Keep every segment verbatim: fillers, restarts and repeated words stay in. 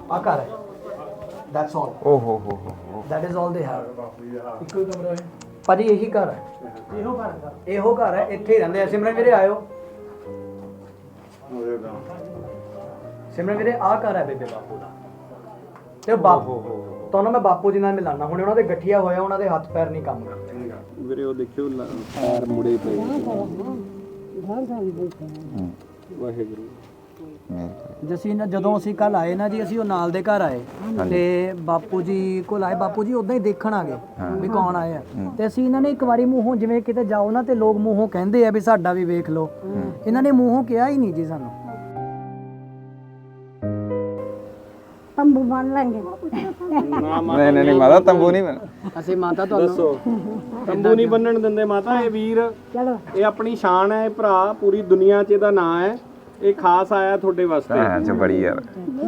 ਆ ਘਰ ਹੈ, ਦੈਟਸ ਆਲ। ਓ ਹੋ ਹੋ ਹੋ that is all they have. ਇੱਕੋ ਹੀ ਕਮਰਾ ਹੈ ਭਾਜੀ, ਇਹੀ ਘਰ ਹੈ, ਇਹੋ ਘਰ ਹੈ, ਇਹੋ ਘਰ ਹੈ, ਇੱਥੇ ਹੀ ਰਹਿੰਦੇ ਆ। ਸਿਮਰਨ ਵੀਰੇ ਆਇਓ, ਸਿਮਰਨ ਵੀਰੇ ਆ ਘਰ ਹੈ ਬੇਬੇ ਬਾਪੂ ਦਾ। ਤੇ ਬਾਪੂ ਤੁਹਾਨੂੰ ਮੈਂ ਬਾਪੂ ਜੀ ਨਾਲ ਮਿਲਾਨਾ, ਹੁਣ ਉਹਨਾਂ ਦੇ ਗਠੀਆ ਹੋਇਆ, ਉਹਨਾਂ ਦੇ ਹੱਥ ਪੈਰ ਨਹੀਂ ਕੰਮ ਕਰਦੇ ਵੀਰੇ। ਉਹ ਦੇਖਿਓ ਪੈਰ ਮੁੜੇ ਪਏ। ਵਾਹਿਗੁਰੂ। ਜਸੀਂ ਨਾ ਜਦੋਂ ਅਸੀਂ ਕੱਲ ਆਏ ਨਾ ਜੀ, ਅਸੀਂ ਉਹ ਨਾਲ ਦੇ ਘਰ ਆਏ ਤੇ ਬਾਪੂ ਜੀ ਕੋਲ ਆਏ। ਬਾਪੂ ਜੀ ਉਦਾਂ ਹੀ ਦੇਖਣ ਆ ਗਏ ਵੀ ਕੌਣ ਆਏ ਆ, ਤੇ ਅਸੀਂ ਇਹਨਾਂ ਨੇ ਇੱਕ ਵਾਰੀ ਮੂੰਹੋਂ, ਜਿਵੇਂ ਕਿਤੇ ਜਾਓ ਨਾ ਤੇ ਲੋਕ ਮੂੰਹੋਂ ਕਹਿੰਦੇ ਆ ਵੀ ਸਾਡਾ ਵੀ ਵੇਖ ਲਓ, ਇਹਨਾਂ ਨੇ ਮੂੰਹੋਂ ਕਿਹਾ ਹੀ ਨਹੀਂ ਜੀ ਸਾਨੂੰ। ਤੰਬੂ ਬਣ ਲਾਂਗੇ। ਨਹੀਂ ਨਹੀਂ ਮਾਤਾ ਤੰਬੂ ਨਹੀਂ ਬਣ। ਅਸੀਂ ਮਾਤਾ ਤੁਹਾਨੂੰ ਦੱਸੋ, ਤੰਬੂ ਨਹੀਂ ਬੰਨਣ ਦਿੰਦੇ ਮਾਤਾ। ਇਹ ਵੀਰ, ਚਲੋ ਇਹ ਆਪਣੀ ਸ਼ਾਨ ਹੈ, ਇਹ ਭਰਾ ਪੂਰੀ ਦੁਨੀਆ 'ਚ ਇਹਦਾ ਨਾਂ ਹੈ। ਇਹ ਖਾਸ ਆਇਆ ਤੁਹਾਡੇ ਵਾਸਤੇ। ਹਾਂ ਚ ਬੜੀ ਯਾਰ।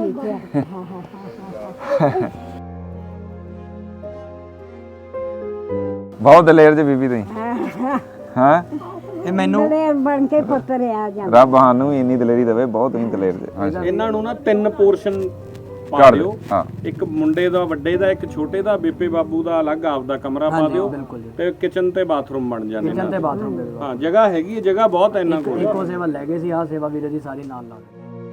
ਬਹੁਤ ਦਲੇਰ ਜੀ ਬੀਬੀ ਤੁਸੀਂ। ਹਾਂ ਇਹ ਮੈਨੂੰ ਦਲੇਰ ਬਣ ਕੇ ਪੁੱਤਰ ਆ ਜਾਂਦਾ। ਰੱਬ ਸਾਨੂੰ ਇੰਨੀ ਦਲੇਰੀ ਦੇਵੇ, ਬਹੁਤ ਤੁਸੀਂ ਦਲੇਰ ਜੀ। ਇਹਨਾਂ ਨੂੰ ਨਾ ਤਿੰਨ ਪੋਰਸ਼ਨ ਪਾ ਕਰ ਦਿਓ। ਹਾਂ, ਇੱਕ ਮੁੰਡੇ ਦਾ, ਵੱਡੇ ਦਾ, ਇੱਕ ਛੋਟੇ ਦਾ। ਬੇਬੇ ਬਾਬੂ ਦਾ ਅਲੱਗ ਆਪਦਾ ਕਮਰਾ ਪਾ ਦਿਓ, ਬਿਲਕੁਲ ਜੀ। ਤੇ ਕਿਚਨ ਤੇ ਬਾਥਰੂਮ ਬਣ ਜਾਣੇ। ਕਿਚਨ ਤੇ ਬਾਥਰੂਮ ਦੇ ਹਾਂ, ਜਗ੍ਹਾ ਹੈਗੀ ਹੈ, ਜਗ੍ਹਾ ਬਹੁਤ ਹੈ ਇਹਨਾਂ ਕੋਲ। ਇੱਕੋ ਸੇਵਾ ਲੈ ਗਏ ਸੀ, ਆਹ ਸੇਵਾ ਵੀਰੇ ਜੀ ਸਾਰੀ ਨਾਲ ਨਾਲ।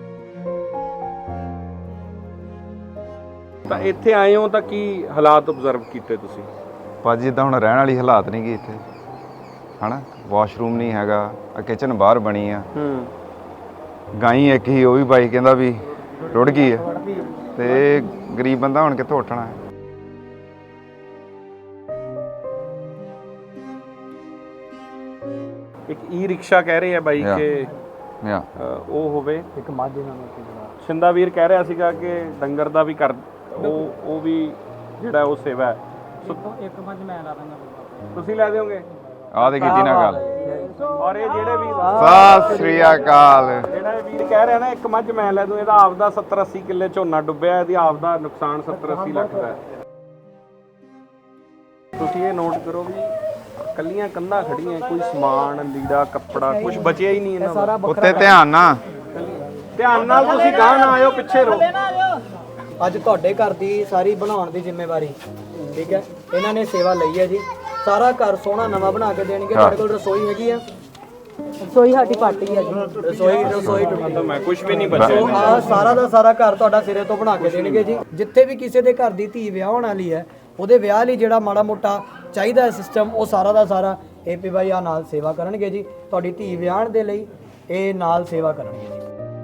ਤਾਂ ਇੱਥੇ ਆਏ ਹੋ ਤਾਂ ਕੀ ਹਾਲਾਤ ਆਬਜ਼ਰਵ ਕੀਤੇ ਤੁਸੀਂ? ਭਾਜੀ ਜਿੱਦਾਂ ਹੁਣ ਰਹਿਣ ਵਾਲੀ ਹਾਲਾਤ ਨਹੀਂ ਗੀ ਇੱਥੇ, ਹਨਾ। ਵਾਸ਼ਰੂਮ ਨਹੀਂ ਹੈਗਾ, ਆ ਕਿਚਨ ਬਾਹਰ ਬਣੀ ਆ। ਹੂੰ। ਗਾਈ ਇੱਕ ਹੀ, ਉਹ ਵੀ ਬਾਈ ਕਹਿੰਦਾ ਵੀ ਰੁੜ ਗਈ ਹੈ, ਤੇ ਗਰੀਬ ਬੰਦਾ ਹੁਣ ਕਿੱਥੋਂ ਉੱਠਣਾ ਹੈ। ਇੱਕ ਈ ਰਿਕਸ਼ਾ ਕਹਿ ਰਹੇ ਆ ਬਾਈ Yeah. ਕਿ ਯਾ ਅ, ਉਹ ਹੋਵੇ। ਇੱਕ ਮਾਝੇ ਨਾਲ ਇੱਕ ਜਣਾ ਸ਼ਿੰਦਾ ਵੀਰ ਕਹਿ ਰਿਹਾ ਸੀਗਾ ਕਿ ਡੰਗਰ ਦਾ ਵੀ ਕਰ, ਉਹ ਉਹ ਵੀ ਜਿਹੜਾ ਉਹ ਸੇਵਾ ਹੈ। ਸੋ ਇੱਕ ਮੱਝ ਮੈਂ ਲਾ ਦਾਂਗਾ। ਤੁਸੀਂ ਲੈ ਦਿਓਗੇ? ਆਹ ਤੇ ਕੀਤੀ ਨਾ ਗੱਲ। ਔਰ ਇਹ ਜਿਹੜੇ ਵੀ ਸਤਿ ਸ੍ਰੀ ਅਕਾਲ। ਜਿਹੜਾ ਇਹ ਵੀਰ ਕਹਿ ਰਿਹਾ ਨਾ ਇੱਕ ਮੱਝ ਮੈਂ ਲੈ ਦੂੰ, ਇਹਦਾ ਆਪਦਾ ਸੱਤਰ ਅੱਸੀ ਕਿੱਲੇ ਝੋਨਾ ਡੁੱਬਿਆ, ਇਹਦੀ ਆਪਦਾ ਨੁਕਸਾਨ ਸੱਤਰ ਅੱਸੀ ਲੱਖ ਦਾ ਹੈ। ਤੁਸੀਂ ਇਹ ਨੋਟ ਕਰੋ ਵੀ ਕੱਲੀਆਂ ਕੰਧਾਂ ਖੜੀਆਂ, ਕੋਈ ਸਮਾਨ, ਲੀੜਾ, ਕੱਪੜਾ ਕੁਝ ਬਚਿਆ ਹੀ ਨਹੀਂ ਇਹਨਾਂ ਦਾ। ਉੱਤੇ ਧਿਆਨ ਨਾ। ਧਿਆਨ ਨਾਲ ਤੁਸੀਂ ਗਾਹ ਨਾ ਆਇਓ, ਪਿੱਛੇ ਰਹੋ। ਅੱਜ ਤੁਹਾਡੇ ਘਰ ਦੀ ਸਾਰੀ ਬਣਾਉਣ ਦੀ ਜ਼ਿੰਮੇਵਾਰੀ, ਠੀਕ ਹੈ, ਇਹਨਾਂ ਨੇ ਸੇਵਾ ਲਈ ਹੈ ਜੀ। ਸਾਰਾ ਘਰ ਸੋਹਣਾ ਨਵਾਂ ਬਣਾ ਕੇ ਦੇਣਗੇ। ਤੁਹਾਡੇ ਕੋਲ ਰਸੋਈ ਹੈਗੀ ਆ, ਰਸੋਈ ਸਾਡੀ ਪਾਟੀ ਹੈ ਜੀ। ਰਸੋਈ ਰਸੋਈ ਤਾਂ ਮੈਂ ਕੁਝ ਵੀ ਨਹੀਂ ਬਚਿਆ। ਆ ਸਾਰਾ ਦਾ ਸਾਰਾ ਘਰ ਤੁਹਾਡਾ ਸਿਰੇ ਤੋਂ ਬਣਾ ਕੇ ਦੇਣਗੇ ਜੀ। ਜਿੱਥੇ ਵੀ ਕਿਸੇ ਦੇ ਘਰ ਦੀ ਧੀ ਵਿਆਹ ਹੋਣ ਵਾਲੀ ਹੈ, ਉਹਦੇ ਵਿਆਹ ਲਈ ਜਿਹੜਾ ਮਾੜਾ ਮੋਟਾ ਚਾਹੀਦਾ ਹੈ ਸਿਸਟਮ, ਉਹ ਸਾਰਾ ਦਾ ਸਾਰਾ ਏਪੀ ਬਾਈ ਆ ਨਾਲ ਸੇਵਾ ਕਰਨਗੇ ਜੀ। ਤੁਹਾਡੀ ਧੀ ਵਿਆਹਣ ਦੇ ਲਈ ਇਹ ਨਾਲ ਸੇਵਾ ਕਰਨਗੇ ਜੀ।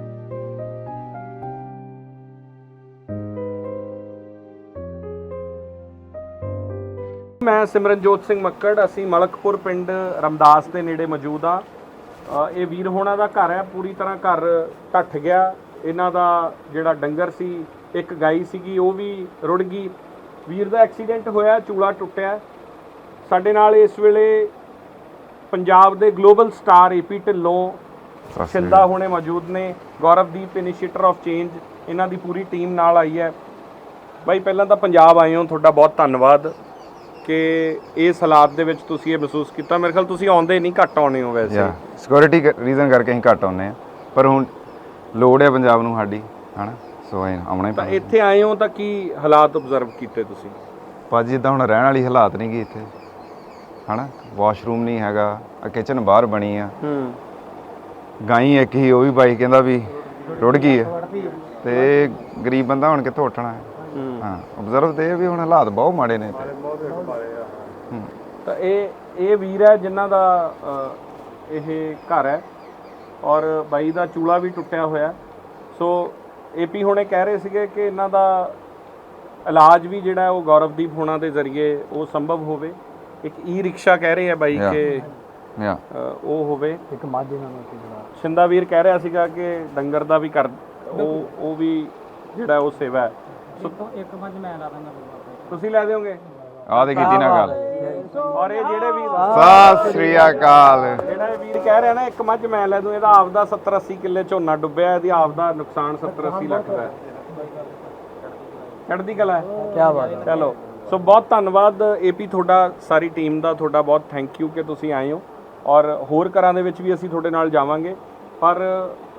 ਮੈਂ ਸਿਮਰਨਜੋਤ ਸਿੰਘ ਮੱਕੜ, ਅਸੀਂ ਮਲਕਪੁਰ ਪਿੰਡ ਰਮਦਾਸ ਦੇ ਨੇੜੇ ਮੌਜੂਦ ਆ। ਇਹ ਵੀਰ ਹੋਣਾ ਦਾ ਘਰ ਹੈ, ਪੂਰੀ ਤਰ੍ਹਾਂ ਘਰ ਢੱਠ ਗਿਆ। ਇਹਨਾਂ ਦਾ ਜਿਹੜਾ ਡੰਗਰ ਸੀ, ਇੱਕ ਗਾਈ ਸੀਗੀ, ਉਹ ਵੀ ਰੁੜ ਗਈ। ਵੀਰ ਦਾ ਐਕਸੀਡੈਂਟ ਹੋਇਆ, ਚੂਲਾ ਟੁੱਟਿਆ। ਸਾਡੇ ਨਾਲ ਇਸ ਵੇਲੇ ਪੰਜਾਬ ਦੇ global star AP Dhillon, Shinda ਹੋਣੇ ਮੌਜੂਦ ਨੇ, ਗੌਰਵਦੀਪ ਇਨੀਸ਼ੀਏਟਰ ਆਫ ਚੇਂਜ, ਇਹਨਾਂ ਦੀ ਪੂਰੀ ਟੀਮ ਨਾਲ ਆਈ ਹੈ। ਬਾਈ ਪਹਿਲਾਂ ਤਾਂ ਪੰਜਾਬ ਆਏ ਹੋ, ਤੁਹਾਡਾ ਬਹੁਤ ਧੰਨਵਾਦ ਕਿ ਇਸ ਹਾਲਾਤ ਦੇ ਵਿੱਚ ਤੁਸੀਂ ਇਹ ਮਹਿਸੂਸ ਕੀਤਾ। ਮੇਰੇ ਖਿਆਲ ਤੁਸੀਂ ਆਉਂਦੇ ਨਹੀਂ, ਘੱਟ ਆਉਣੇ ਹੋ ਵੈਸੇ। ਸਿਕਿਉਰਿਟੀ ਰੀਜ਼ਨ ਕਰਕੇ ਅਸੀਂ ਘੱਟ ਆਉਂਦੇ ਆ, ਪਰ ਹੁਣ ਲੋੜ ਹੈ ਪੰਜਾਬ ਨੂੰ ਸਾਡੀ, ਹਨਾ। ਸੋ ਇਹ ਆਉਣਾ ਹੀ ਤਾਂ ਪੈਣਾ। ਇੱਥੇ ਆਏ ਹੋ ਤਾਂ ਕੀ ਹਾਲਾਤ ਆਬਜ਼ਰਵ ਕੀਤੇ ਤੁਸੀਂ? ਭਾਜੀ ਜਿੱਦਾਂ ਹੁਣ ਰਹਿਣ ਵਾਲੀ ਹਾਲਾਤ ਨਹੀਂ ਗੀ ਇੱਥੇ, ਹਨਾ। ਵਾਸ਼ਰੂਮ ਨਹੀਂ ਹੈਗਾ, ਆ ਕਿਚਨ ਬਾਹਰ ਬਣੀ ਆ। ਹੂੰ। ਗਾਈ ਇੱਕ ਹੀ, ਉਹ ਵੀ ਬਾਈ ਕਹਿੰਦਾ ਵੀ ਰੁੜ ਗਈ ਹੈ, ਤੇ ਗਰੀਬ ਬੰਦਾ ਹੁਣ ਕਿੱਥੋਂ ਉੱਠਣਾ ਹੈ। ਹਾਂ, ਆਬਜ਼ਰਵ ਤੇ ਵੀ ਹੁਣ ਹਾਲਾਤ ਬਹੁਤ ਮਾੜੇ ਨੇ ਇੱਥੇ। ਤਾਂ ਇਹ ਇਹ ਵੀਰ ਹੈ ਜਿਨ੍ਹਾਂ ਦਾ ਅ, ਇਹ ਘਰ ਹੈ, ਔਰ ਬਾਈ ਦਾ ਚੂਲਾ ਵੀ ਟੁੱਟਿਆ ਹੋਇਆ। ਸੋ ਏਪੀ ਹੁਣੇ ਕਹਿ ਰਹੇ ਸੀਗੇ ਕਿ ਇਹਨਾਂ ਦਾ ਇਲਾਜ ਵੀ ਜਿਹੜਾ ਉਹ ਗੌਰਵਦੀਪ ਹੋਣਾ ਦੇ ਜ਼ਰੀਏ ਉਹ ਸੰਭਵ ਹੋਵੇ। ਇੱਕ ਈ ਰਿਕਸ਼ਾ ਕਹਿ ਰਹੇ ਆ ਬਾਈ ਕਿ ਯਾ ਉਹ ਹੋਵੇ। ਇੱਕ ਮਾਝੇ ਨਾਲ ਇੱਕ ਜਣਾ ਸ਼ਿੰਦਾ ਵੀਰ ਕਹਿ ਰਿਹਾ ਸੀਗਾ ਕਿ ਡੰਗਰ ਦਾ ਵੀ ਕਰ, ਉਹ ਉਹ ਵੀ ਜਿਹੜਾ ਉਹ ਸੇਵਾ ਹੈ। ਸੋ ਇੱਕ ਮੱਝ ਮੈਂ ਲਾ ਦਾਂਗਾ। ਤੁਸੀਂ ਲੈ ਦਿਓਗੇ? ਆਹ ਤੇ ਕੀਤੀ ਨਾ ਗੱਲ। ਔਰ ਇਹ ਜਿਹੜੇ ਵੀ ਸਤਿ ਸ੍ਰੀ ਅਕਾਲ। ਜਿਹੜਾ ਇਹ ਵੀਰ ਕਹਿ ਰਿਹਾ ਨਾ ਇੱਕ ਮੱਝ ਮੈਂ ਲੈ ਦੂੰ, ਇਹਦਾ ਆਪਦਾ ਸੱਤਰ ਅੱਸੀ ਕਿੱਲੇ ਝੋਨਾ ਡੁੱਬਿਆ, ਇਹਦੀ ਆਪਦਾ ਨੁਕਸਾਨ ਸੱਤਰ ਅੱਸੀ ਲੱਖ ਦਾ ਹੈ। ਚੜ੍ਹਦੀ ਕਲਾ ਹੈ। ਕੀ ਬਾਤ ਹੈ। ਚਲੋ, ਸੋ ਬਹੁਤ ਧੰਨਵਾਦ ਏਪੀ ਤੁਹਾਡਾ, ਸਾਰੀ ਟੀਮ ਦਾ ਤੁਹਾਡਾ ਬਹੁਤ ਥੈਂਕ ਯੂ ਕਿ ਤੁਸੀਂ ਆਏ ਹੋ। ਔਰ ਹੋਰ ਘਰਾਂ ਦੇ ਵਿੱਚ ਵੀ ਅਸੀਂ ਤੁਹਾਡੇ ਨਾਲ ਜਾਵਾਂਗੇ, ਪਰ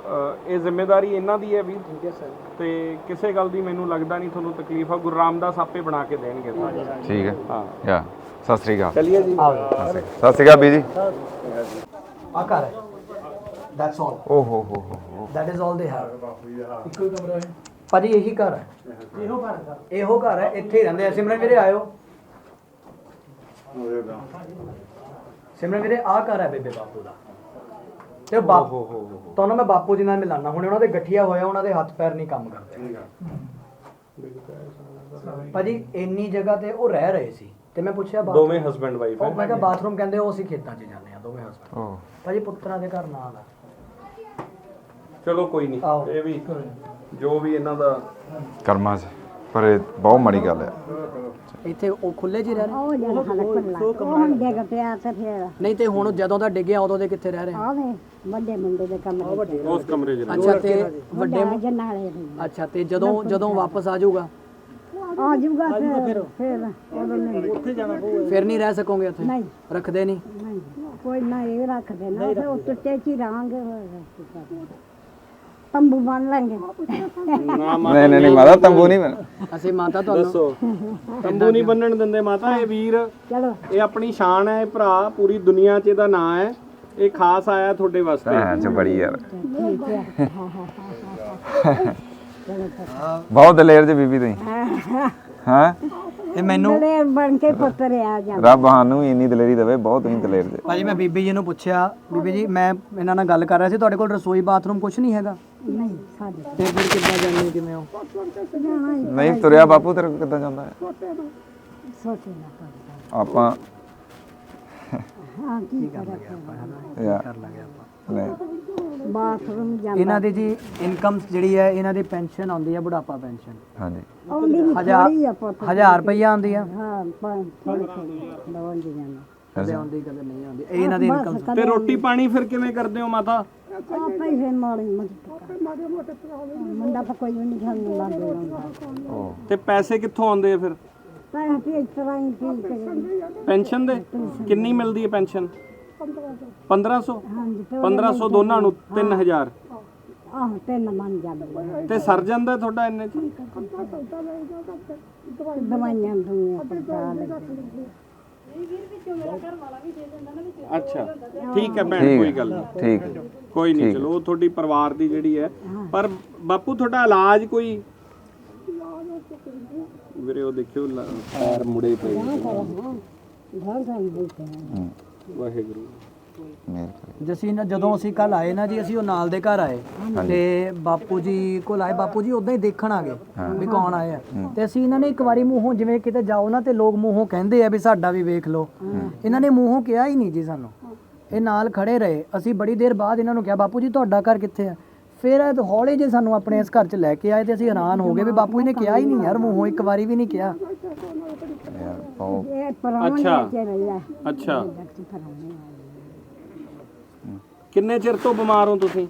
ਅ, ਇਹ ਜ਼ਿੰਮੇਵਾਰੀ ਇਹਨਾਂ ਦੀ ਹੈ ਵੀਰ ਠੀਕ ਹੈ ਸਰ ਤੇ ਕਿਸੇ ਗੱਲ ਦੀ ਮੈਨੂੰ ਲੱਗਦਾ ਨਹੀਂ ਤੁਹਾਨੂੰ ਤਕਲੀਫ ਆ ਗੁਰੂ ਰਾਮਦਾਸ ਆਪੇ ਬਣਾ ਕੇ ਦੇਣਗੇ ਠੀਕ ਹੈ ਹਾਂ ਯਾ ਸਤਿ ਸ੍ਰੀ ਅਕਾਲ ਚਲਿਏ ਜੀ ਸਤਿ ਸ੍ਰੀ ਅਕਾਲ ਬੀ ਜੀ ਆ ਘਰ ਹੈ ਦੈਟਸ ਆਲ ਓ ਹੋ ਹੋ ਹੋ that is all they have ਇੱਕੋ ਹੀ ਕਮਰਾ ਹੈ ਭਾਜੀ ਇਹੀ ਘਰ ਹੈ ਇਹੋ ਘਰ ਹੈ ਇਹੋ ਘਰ ਹੈ ਇੱਥੇ ਹੀ ਰਹਿੰਦੇ ਆ ਸਿਮਰਨ ਵੀਰੇ ਆਇਓ ਸਿਮਰਨ ਵੀਰੇ ਆ ਘਰ ਹੈ ਬੇਬੇ ਬਾਪੂ ਦਾ ਤੇ ਬਾਪੂ ਤੁਹਾਨੂੰ ਮੈਂ ਬਾਪੂ ਜੀ ਨਾਲ ਮਿਲਾਨਾ ਹੁਣ ਉਹਨਾਂ ਦੇ ਗਠੀਆ ਹੋਇਆ ਉਹਨਾਂ ਦੇ ਹੱਥ ਪੈਰ ਨਹੀਂ ਕੰਮ ਕਰਦੇ ਭਾਜੀ ਇੰਨੀ ਜਗ੍ਹਾ ਤੇ ਉਹ ਰਹਿ ਰਹੇ ਸੀ ਤੇ ਮੈਂ ਪੁੱਛਿਆ ਦੋਵੇਂ ਹਸਬੈਂਡ ਵਾਈਫ ਉਹ ਮੈਂ ਕਿਹਾ ਬਾਥਰੂਮ ਕਹਿੰਦੇ ਉਹ ਅਸੀਂ ਖੇਤਾਂ 'ਚ ਜਾਂਦੇ ਆ ਦੋਵੇਂ ਹਸਬੈਂਡ ਓ ਭਾਜੀ ਪੁੱਤਰਾਂ ਦੇ ਘਰ ਨਾਲ ਆ ਚਲੋ ਕੋਈ ਨਹੀਂ ਆਓ। ਇਹ ਵੀ ਜੋ ਵੀ ਇਹਨਾਂ ਦਾ ਕਰਮਾਂ 'ਚ ਪਰ ਇਹ ਬਹੁਤ ਮਾੜੀ ਗੱਲ ਹੈ ਇੱਥੇ ਉਹ ਖੁੱਲੇ ਜੀ ਰਹਿ ਰਹੇ ਉਹ ਜਨ ਖਲਾ ਖੁੱਲਾ ਉਹ ਹੁਣ ਡਿੱਗ ਪਿਆ ਤੇ ਫਿਰ ਨਹੀਂ ਤੇ ਹੁਣ ਜਦੋਂ ਦਾ ਡਿੱਗਿਆ ਉਦੋਂ ਦੇ ਕਿੱਥੇ ਰਹਿ ਰਹੇ ਆਵੇ ਵੱਡੇ ਮੁੰਡੇ ਦੇ ਕਮਰੇ ਉਸ ਕਮਰੇ 'ਚ ਅੱਛਾ ਤੇ ਵੱਡੇ ਵੱਡੇ ਜਨਾਲੇ ਦੇ ਅੱਛਾ ਤੇ ਜਦੋਂ ਜਦੋਂ ਵਾਪਸ ਆ ਜਾਊਗਾ ਆ ਜੂਗਾ ਫਿਰ ਫਿਰ ਉਦੋਂ ਨਹੀਂ ਉੱਥੇ ਜਾਣਾ ਪਊਗਾ ਫਿਰ ਨਹੀਂ ਰਹਿ ਸਕੋਗੇ ਉੱਥੇ ਨਹੀਂ ਰੱਖਦੇ ਨਹੀਂ ਨਹੀਂ ਕੋਈ ਨਾ ਇਹ ਰੱਖਦੇ ਨਾ ਫਿਰ ਉਹ ਟੁੱਟੇ ਚ ਹੀ ਰਹਾਂਗੇ ਤੰਬੂ ਬਣ ਲਾਂਗੇ ਨਹੀਂ ਨਹੀਂ ਨਹੀਂ ਮਾਤਾ ਤੰਬੂ ਨਹੀਂ ਬਣ ਅਸੀਂ ਮਾਤਾ ਤੁਹਾਨੂੰ ਦੱਸੋ ਤੰਬੂ ਨਹੀਂ ਬੰਨਣ ਦਿੰਦੇ ਮਾਤਾ ਇਹ ਵੀਰ ਚਲੋ ਇਹ ਆਪਣੀ ਸ਼ਾਨ ਹੈ ਇਹ ਭਰਾ ਪੂਰੀ ਦੁਨੀਆ 'ਚ ਇਹਦਾ ਨਾਂ ਹੈ ਇਹ ਖਾਸ ਆਇਆ ਤੁਹਾਡੇ ਵਾਸਤੇ ਹਾਂ ਚ ਬੜੀ ਯਾਰ ਠੀਕ ਹੈ ਬਹੁਤ ਦਲੇਰ ਜੀ ਬੀਬੀ ਤੁਸੀਂ ਹਾਂ ਇਹ ਮੈਨੂੰ ਬੜੇ ਬਣ ਕੇ ਪੁੱਤਰ ਆ ਜਾ ਰੱਬ ਸਾਨੂੰ ਵੀ ਇੰਨੀ ਦਲੇਰੀ ਦੇਵੇ ਬਹੁਤ ਤੁਸੀਂ ਦਲੇਰ ਜੇ ਭਾਜੀ ਮੈਂ ਬੀਬੀ ਜੀ ਨੂੰ ਪੁੱਛਿਆ ਬੀਬੀ ਜੀ ਮੈਂ ਇਹਨਾਂ ਨਾਲ ਗੱਲ ਕਰ ਰਿਹਾ ਸੀ ਤੁਹਾਡੇ ਕੋਲ ਰਸੋਈ ਬਾਥਰੂਮ ਕੁਝ ਨਹੀਂ ਹੈਗਾ ਨਹੀਂ ਸਾਡੇ ਤੇ ਫਿਰ ਕਿੱਦਾਂ ਜਾਂਦੇ ਕਿਵੇਂ ਹੋ ਨਹੀਂ ਤੁਰਿਆ ਬਾਪੂ ਤੇਰੇ ਕੋਲ ਕਿੱਦਾਂ ਜਾਂਦਾ ਹੈ ਸੋਚੇ ਨਾ ਕਰ ਆਪਾਂ ਹਾਂ ਕੀ ਕਰਾਂ ਯਾਰ ਕਰ ਲਾਂਗੇ ਆਪਾਂ ਨਹੀਂ ਬਾਥਰੂਮ ਜਾਂਦਾ ਇਹਨਾਂ ਦੀ ਜੀ ਇਨਕਮ ਜਿਹੜੀ ਹੈ ਇਹਨਾਂ ਦੀ ਪੈਨਸ਼ਨ ਆਉਂਦੀ ਹੈ ਬੁਢਾਪਾ ਪੈਨਸ਼ਨ ਹਾਂਜੀ ਆਉਂਦੀ ਵੀ ਹਜ਼ਾਰ ਥੋੜੀ ਆ ਪੁੱਤ ਹਜ਼ਾਰ ਰੁਪਈਆ ਆਉਂਦੀ ਆ ਹਾਂ ਪੰਜ ਲੋਨ ਦੀ ਜਾਂਦਾ ਕਦੇ ਆਉਂਦੀ ਕਦੇ ਨਹੀਂ ਆਉਂਦੀ ਇਹ ਇਹਨਾਂ ਦੀ ਇਨਕਮ ਤੇ ਰੋਟੀ ਪਾਣੀ ਫਿਰ ਕਿਵੇਂ ਕਰਦੇ ਹੋ ਮਾਤਾ ਆਪੇ ਹੀ ਮਾੜੀ ਮੋਟੀ ਮੁੰਡਾ ਤਾਂ ਕੋਈ ਵੀ ਨਹੀਂ ਖਾਣ ਲੱਗ ਜਾਂਦਾ ਉਹ ਤੇ ਪੈਸੇ ਕਿੱਥੋਂ ਆਉਂਦੇ ਆ ਫਿਰ ਤਾਂ ਵੀ ਇਸ ਤਰ੍ਹਾਂ ਹੀ ਠੀਕ ਹੈ ਪੈਨਸ਼ਨ ਦੇ ਕਿੰਨੀ ਮਿਲਦੀ ਹੈ ਪੈਨਸ਼ਨ ਪੰਦਰਾਂ ਸੌ ਹਾਂਜੀ ਤੇ ਪੰਦਰਾਂ ਸੌ ਦੋਨਾਂ ਨੂੰ ਤਿੰਨ ਹਜ਼ਾਰ ਆਹ ਤਿੰਨ ਮੰਨ ਜਾਂਦੇ ਤੇ ਸਰ ਜਾਂਦਾ ਤੁਹਾਡਾ ਇੰਨੇ ਚ ਦਵਾਈਆਂ ਦੁਨੀਆਂ ਪਤਾ ਲੱਗੇ ਅੱਛਾ ਠੀਕ ਹੈ ਭੈਣ ਠੀਕ ਕੋਈ ਹੈ, ਗੱਲ ਨਹੀਂ ਠੀਕ ਹੈ। ਕੋਈ ਨਹੀਂ ਚਲੋ ਉਹ ਤੁਹਾਡੀ ਪਰਿਵਾਰ ਦੀ ਜਿਹੜੀ ਹੈ ਪਰ ਬਾਪੂ ਤੁਹਾਡਾ ਇਲਾਜ ਕੋਈ ਵੀਰੇ ਉਹ ਦੇਖਿਓ ਲ- ਪੈਰ ਮੁੜੇ ਪਏ ਘਰ ਘਰ ਬੈਠੇ ਹੂੰ, ਵਾਹਿਗੁਰੂ ਮਿਹਰ ਕਰੇ ਜਸੀਂ ਨਾ ਜਦੋਂ ਅਸੀਂ ਕੱਲ ਆਏ ਨਾ ਜੀ ਅਸੀਂ ਉਹ ਨਾਲ ਦੇ ਘਰ ਆਏ ਤੇ ਬਾਪੂ ਜੀ ਕੋਲ ਆਏ ਬਾਪੂ ਜੀ ਉਦਾਂ ਹੀ ਦੇਖਣ ਆ ਗਏ ਵੀ ਕੌਣ ਆਏ ਆ ਤੇ ਅਸੀਂ ਇਹਨਾਂ ਨੇ ਇੱਕ ਵਾਰੀ ਮੂੰਹੋਂ ਜਿਵੇਂ ਕਿਤੇ ਜਾਓ ਨਾ ਤੇ ਲੋਕ ਮੂੰਹੋਂ ਕਹਿੰਦੇ ਆ ਵੀ ਸਾਡਾ ਵੀ ਵੇਖ ਲਓ ਇਹਨਾਂ ਨੇ ਮੂੰਹੋਂ ਕਿਹਾ ਹੀ ਨਹੀਂ ਜੀ ਸਾਨੂੰ ਇਹ ਨਾਲ ਖੜੇ ਰਹੇ ਅਸੀਂ ਬੜੀ ਦੇਰ ਬਾਅਦ ਇਹਨਾਂ ਨੂੰ ਕਿਹਾ ਬਾਪੂ ਜੀ ਤੁਹਾਡਾ ਘਰ ਕਿੱਥੇ ਆ ਫਿਰ ਇਹ ਹੌਲੇ ਜੇ ਸਾਨੂੰ ਆਪਣੇ ਇਸ ਘਰ 'ਚ ਲੈ ਕੇ ਆਏ ਤੇ ਅਸੀਂ ਹੈਰਾਨ ਹੋ ਗਏ ਵੀ ਬਾਪੂ ਜੀ ਨੇ ਕਿਹਾ ਹੀ ਨਹੀਂ ਯਾਰ ਮੂੰਹੋਂ ਇੱਕ ਵਾਰੀ ਵੀ ਨਹੀਂ ਕਿਹਾ ਯਾਰ ਬਹੁਤ ਇਹ ਪਰਾਉਣੇ ਅੱਛਾ। ਚ ਰਹਿਆ ਅੱਛਾ ਪਰਾਉਣੇ ਕਿੰਨੇ ਚਿਰ ਤੋਂ ਬਿਮਾਰ ਹੋ ਤੁਸੀਂ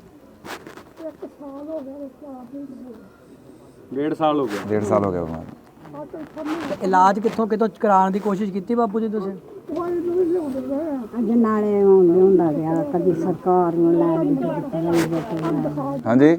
ਡੇਢ ਸਾਲ ਹੋ ਗਿਆ ਡੇਢ ਸਾਲ ਹੋ ਗਿਆ ਬਿਮਾਰ ਤੇ ਇਲਾਜ ਕਿੱਥੋਂ ਕਿਤੋਂ ਕਰਾਉਣ ਦੀ ਕੋਸ਼ਿਸ਼ ਕੀਤੀ ਬਾਪੂ ਜੀ ਤੁਸੀਂ ਅੱਜ ਨਾਲੇ ਆਉਂਦੇ ਹੁੰਦਾ ਗਿਆ ਕਦੀ ਸਰਕਾਰ ਨੂੰ ਲੈ ਕੇ ਦਿੱਤਾ ਹਾਂਜੀ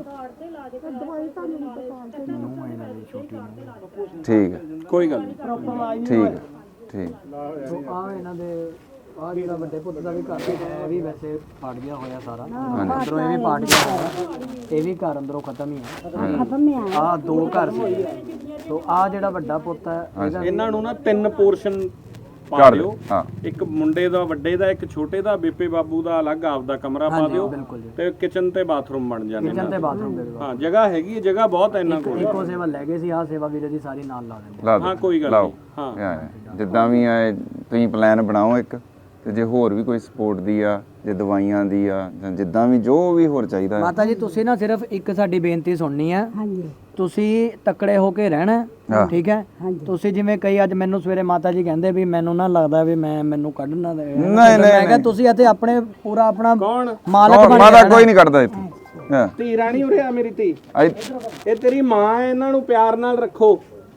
ਠੀਕ ਹੈ ਕੋਈ ਗੱਲ ਨਹੀਂ ਠੀਕ ਹੈ ਠੀਕ ਸੋ ਆ ਇਹਨਾਂ ਦੇ ਆ ਜਿਹੜਾ ਵੱਡੇ ਪੁੱਤ ਦਾ ਵੀ ਘਰ ਹੈ ਇਹ ਵੀ ਵੈਸੇ ਪਾਟ ਗਿਆ ਹੋਇਆ ਸਾਰਾ ਅੰਦਰੋਂ ਇਹ ਵੀ ਪਾਟ ਗਿਆ ਹੋਇਆ ਇਹ ਵੀ ਘਰ ਅੰਦਰੋਂ ਖਤਮ ਹੀ ਹੈ ਖਤਮ ਆ ਆ ਦੋ ਘਰ ਸੀ ਸੋ ਆ ਜਿਹੜਾ ਵੱਡਾ ਪੁੱਤ ਹੈ ਇਹਦਾ ਇਹਨਾਂ ਨੂੰ ਨਾ ਤਿੰਨ ਪੋਰਸ਼ਨ ਪਾ ਕਰ ਦਿਓ ਹਾਂ ਇੱਕ ਮੁੰਡੇ ਦਾ ਵੱਡੇ ਦਾ ਇੱਕ ਛੋਟੇ ਦਾ ਬੀਪੇ ਬਾਬੂ ਦਾ ਅਲੱਗ ਆਪਦਾ ਕਮਰਾ ਪਾ ਦਿਓ ਬਿਲਕੁਲ ਜੀ ਤੇ ਕਿਚਨ ਤੇ ਬਾਥਰੂਮ ਬਣ ਜਾਣੇ ਕਿਚਨ ਤੇ ਬਾਥਰੂਮ ਦੇ ਦਿਓ ਹਾਂ ਜਗ੍ਹਾ ਹੈਗੀ ਹੈ ਜਗ੍ਹਾ ਬਹੁਤ ਹੈ ਇਹਨਾਂ ਕੋਲ ਇੱਕੋ ਸੇਵਾ ਲੈ ਗਏ ਸੀ ਆ ਸੇਵਾ ਵੀਰੇ ਦੀ ਸਾਰੀ ਨਾਲ ਲਾ ਦਿੰਦੇ ਲਾ ਦਿਓ, ਹਾਂ ਕੋਈ ਗੱਲ ਲਾਓ ਨਹੀਂ ਹਾਂ ਹਾਂ, ਜਿੱਦਾਂ ਵੀ ਆ ਤੁਸੀਂ ਪਲਾਨ ਬਣਾਓ ਇੱਕ ਤੇ ਜੇ ਹੋਰ ਵੀ ਕੋਈ ਸਪੋਰਟ ਦੀ ਆ ਜੇ ਦਵਾਈਆਂ ਦੀ ਆ ਜਾਂ ਜਿੱਦਾਂ ਵੀ ਜੋ ਵੀ ਹੋਰ ਚਾਹੀਦਾ ਹੈ। ਮਾਤਾ ਜੀ ਤੁਸੀਂ ਨਾ ਸਿਰਫ ਇੱਕ ਸਾਡੀ ਬੇਨਤੀ ਸੁਣਨੀ ਹੈ ਹਾਂਜੀ ਤੁਸੀਂ ਤਕੜੇ ਹੋ ਕੇ ਰਹਿਣਾ ਹਾਂ। ਠੀਕ ਹੈ ਹਾਂਜੀ ਤੁਸੀਂ ਜਿਵੇਂ ਕਈ ਅੱਜ ਮੈਨੂੰ ਸਵੇਰੇ ਮਾਤਾ ਜੀ ਕਹਿੰਦੇ ਵੀ ਮੈਨੂੰ ਨਾ ਲੱਗਦਾ ਵੀ ਮੈਂ ਮੈਨੂੰ ਕੱਢਣਾ ਦੇ ਨਹੀਂ, ਮੈਂ ਨਹੀਂ, ਕਿਹਾ ਤੁਸੀਂ ਇੱਥੇ ਆਪਣੇ ਪੂਰਾ ਆਪਣਾ ਕੌਣ ਮਾਲਕ ਹੋਰ ਬਣ ਮਾਤਾ ਕੇ ਕੋਈ ਨਹੀਂ ਕੱਢਦਾ ਇੱਥੇ ਹਾਂ ਧੀ ਰਾਣੀ ਉਰੇ ਆ ਮੇਰੀ ਧੀ ਆਈ- ਇਹ ਤੇਰੀ ਮਾਂ ਹੈ ਇਹਨਾਂ ਨੂੰ ਪਿਆਰ ਨਾਲ ਰੱਖੋ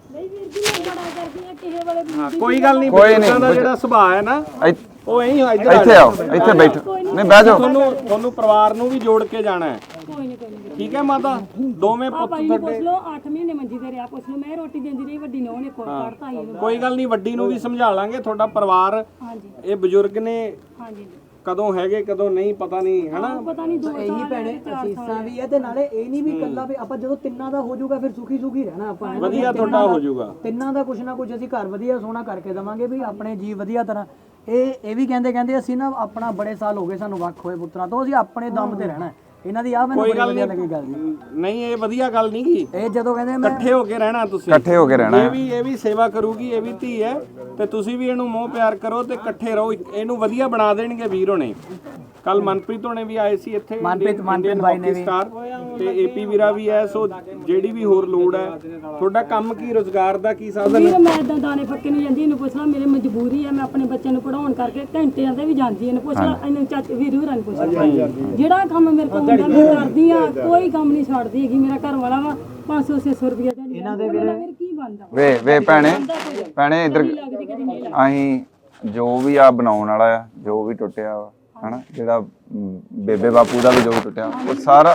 ਹਾਂ ਕੋਈ ਗੱਲ ਨਹੀਂ ਕੋਈ ਬਜ਼ੁਰਗਾਂ ਦਾ ਨਹੀਂ। ਜਿਹੜਾ ਸੁਭਾਅ ਹੈ ਨਾ ਇੱਥੇ ਉਹ ਐਂ ਇੱਧਰ ਆ ਇੱਥੇ ਆਓ ਇੱਥੇ ਬੈਠੋ ਨਹੀਂ ਬਹਿ ਜਾਓ ਤੁਹਾਨੂੰ ਤੁਹਾਨੂੰ ਪਰਿਵਾਰ ਨੂੰ ਵੀ ਜੋੜ ਕੇ ਜਾਣਾ ਹੈ ਕੋਈ ਨਹੀਂ ਕੋਈ ਨਹੀਂ ਠੀਕ ਹੈ ਮਾਤਾ ਦੋਵੇਂ ਪੁੱਤ ਭਾਈ ਨੂੰ ਪੁੱਛ ਲਓ ਅੱਠ ਮਹੀਨੇ ਮੰਜੀ ਤੇ ਰਿਹਾ ਪੁੱਛ ਲਓ ਮੈਂ ਰੋਟੀ ਦਿੰਦੀ ਰਹੀ ਵੱਡੀ ਨੇ ਉਹਨੇ ਕੋਲ ਕੱਢਤਾ ਹੀ ਇਹਨੂੰ। ਕੋਈ ਗੱਲ ਨਹੀਂ ਵੱਡੀ ਨੂੰ ਵੀ ਸਮਝਾ ਲਾਂਗੇ ਤੁਹਾਡਾ ਪਰਿਵਾਰ ਹਾਂਜੀ ਇਹ ਬਜ਼ੁਰਗ ਨੇ ਹਾਂਜੀ ਕਦੋਂ ਹੈਗੇ ਕਦੋਂ ਨਹੀਂ ਪਤਾ ਨਹੀਂ ਹੈਨਾ ਪਤਾ ਨਹੀਂ ਦੋ ਇਹੀ ਭੈਣੇ ਅਸੀਸਾਂ ਵੀ ਹੈ ਤੇ ਨਾਲੇ ਇਹ ਨਹੀਂ ਵੀ ਇਕੱਲਾ ਵੀ ਆਪਾਂ ਜਦੋਂ ਤਿੰਨਾਂ ਦਾ ਹੋ ਜਾਊਗਾ ਫਿਰ ਸੁਖੀ ਸੁਖੀ ਰਹਿਣਾ ਆਪਾਂ ਵਧੀਆ ਤੁਹਾਡਾ ਹੋ ਜਾਊਗਾ ਤਿੰਨਾਂ ਦਾ ਕੁਛ ਨਾ ਕੁਛ ਅਸੀਂ ਘਰ ਵਧੀਆ ਸੋਹਣਾ ਕਰਕੇ ਦਵਾਂਗੇ ਵੀ ਆਪਣੇ ਜੀ ਵਧੀਆ ਤਰ੍ਹਾਂ ਇਹ ਇਹ ਵੀ ਕਹਿੰਦੇ ਕਹਿੰਦੇ ਅਸੀਂ ਨਾ ਆਪਣਾ ਬੜੇ ਸਾਲ ਹੋ ਗਏ ਸਾਨੂੰ ਵੱਖ ਹੋਏ ਪੁੱਤਰਾਂ ਤੋਂ ਅਸੀਂ ਆਪਣੇ ਦਮ ਤੇ ਰਹਿਣਾ ਇਹਨਾਂ ਦੀ ਆ ਮੈਨੂੰ ਬੜੀ ਵਧੀਆ ਲੱਗੀ ਗੱਲ ਜੀ ਨਹੀਂ ਇਹ ਵਧੀਆ ਗੱਲ ਨਹੀਂ ਗੀ ਇਹ ਜਦੋਂ ਕਹਿੰਦੇ ਮੈਂ ਇਕੱਠੇ ਹੋ ਕੇ ਰਹਿਣਾ ਤੁਸੀਂ ਇਕੱਠੇ ਹੋ ਕੇ ਰਹਿਣਾ ਇਹ ਵੀ ਇਹ ਵੀ ਸੇਵਾ ਕਰੂਗੀ ਇਹ ਵੀ ਧੀ ਹੈ ਤੇ ਤੁਸੀਂ ਵੀ ਇਹਨੂੰ ਮੋਹ ਪਿਆਰ ਕਰੋ ਤੇ ਇਕੱਠੇ ਰਹੋ ਇਹਨੂੰ ਵਧੀਆ ਬਣਾ ਦੇਣਗੇ ਵੀਰ ਹੋਣੇ ਕੱਲ ਮਨਪ੍ਰੀਤ ਹੋਣੇ ਵੀ ਆਏ ਸੀ ਇੱਥੇ ਮਨਪ੍ਰੀਤ ਮਨਪ੍ਰੀਤ ਬਾਈ ਨੇ ਵੀ ਸਟਾਰ ਤੇ ਏਪੀ ਵੀਰਾ ਵੀ ਹੈ ਸੋ ਜਿਹੜੀ ਵੀ ਹੋਰ ਲੋੜ ਹੈ ਤੁਹਾਡਾ ਕੰਮ ਕੀ ਰੋਜ਼ਗਾਰ ਦਾ ਕੀ ਸਾਧਨ ਵੀਰ ਮੈਂ ਇਦਾਂ ਦਾਣੇ ਫੱਕੇ ਨੂੰ ਜਾਂਦੀ ਇਹਨੂੰ ਪੁੱਛ ਲਾ ਮੇਰੀ ਮਜਬੂਰੀ ਹੈ ਮੈਂ ਆਪਣੇ ਬੱਚਿਆਂ ਨੂੰ ਪੜਾਉਣ ਕਰਕੇ ਘੰਟਿਆਂ ਤੇ ਵੀ ਜਾਂਦੀ ਇਹਨੂੰ ਪੁੱਛ ਲਾ ਇਹਨੂੰ ਚਾਚੇ ਵੀਰ ਹੋਰਾਂ ਨੂੰ ਪੁੱਛ ਲਾ ਜਿਹੜਾ ਕੰਮ ਮੇਰੇ ਕੋਲ ਹੁੰਦਾ ਮੈਂ ਕਰਦੀ ਆ ਕੋਈ ਕੰਮ ਨਹੀਂ ਛੱਡਦੀ ਹੈਗੀ ਮੇਰਾ ਘਰ ਵਾਲਾ ਵਾ ਪੰਜ ਸੌ ਛੇ ਸੌ ਰੁਪਏ ਦਿੰਦੀ ਇਹਨਾਂ ਦੇ ਵੀਰ ਕੀ ਬਣਦਾ ਵੇ ਵੇ ਭੈਣੇ ਭੈਣੇ ਇੱਧਰ ਲੱਗਦੀ ਕਦੀ ਨਹੀਂ ਲੱਗਦੀ ਅਸੀਂ ਜੋ ਵੀ ਆ ਬਣਾਉਣ ਵਾਲਾ ਆ ਜੋ ਵੀ ਟੁੱਟਿਆ ਵਾ ਹਨਾ ਜਿਹੜਾ ਅਮ, ਬੇਬੇ ਬਾਪੂ ਦਾ ਵੀ ਜੋ ਟੁੱਟਿਆ ਉਹ ਸਾਰਾ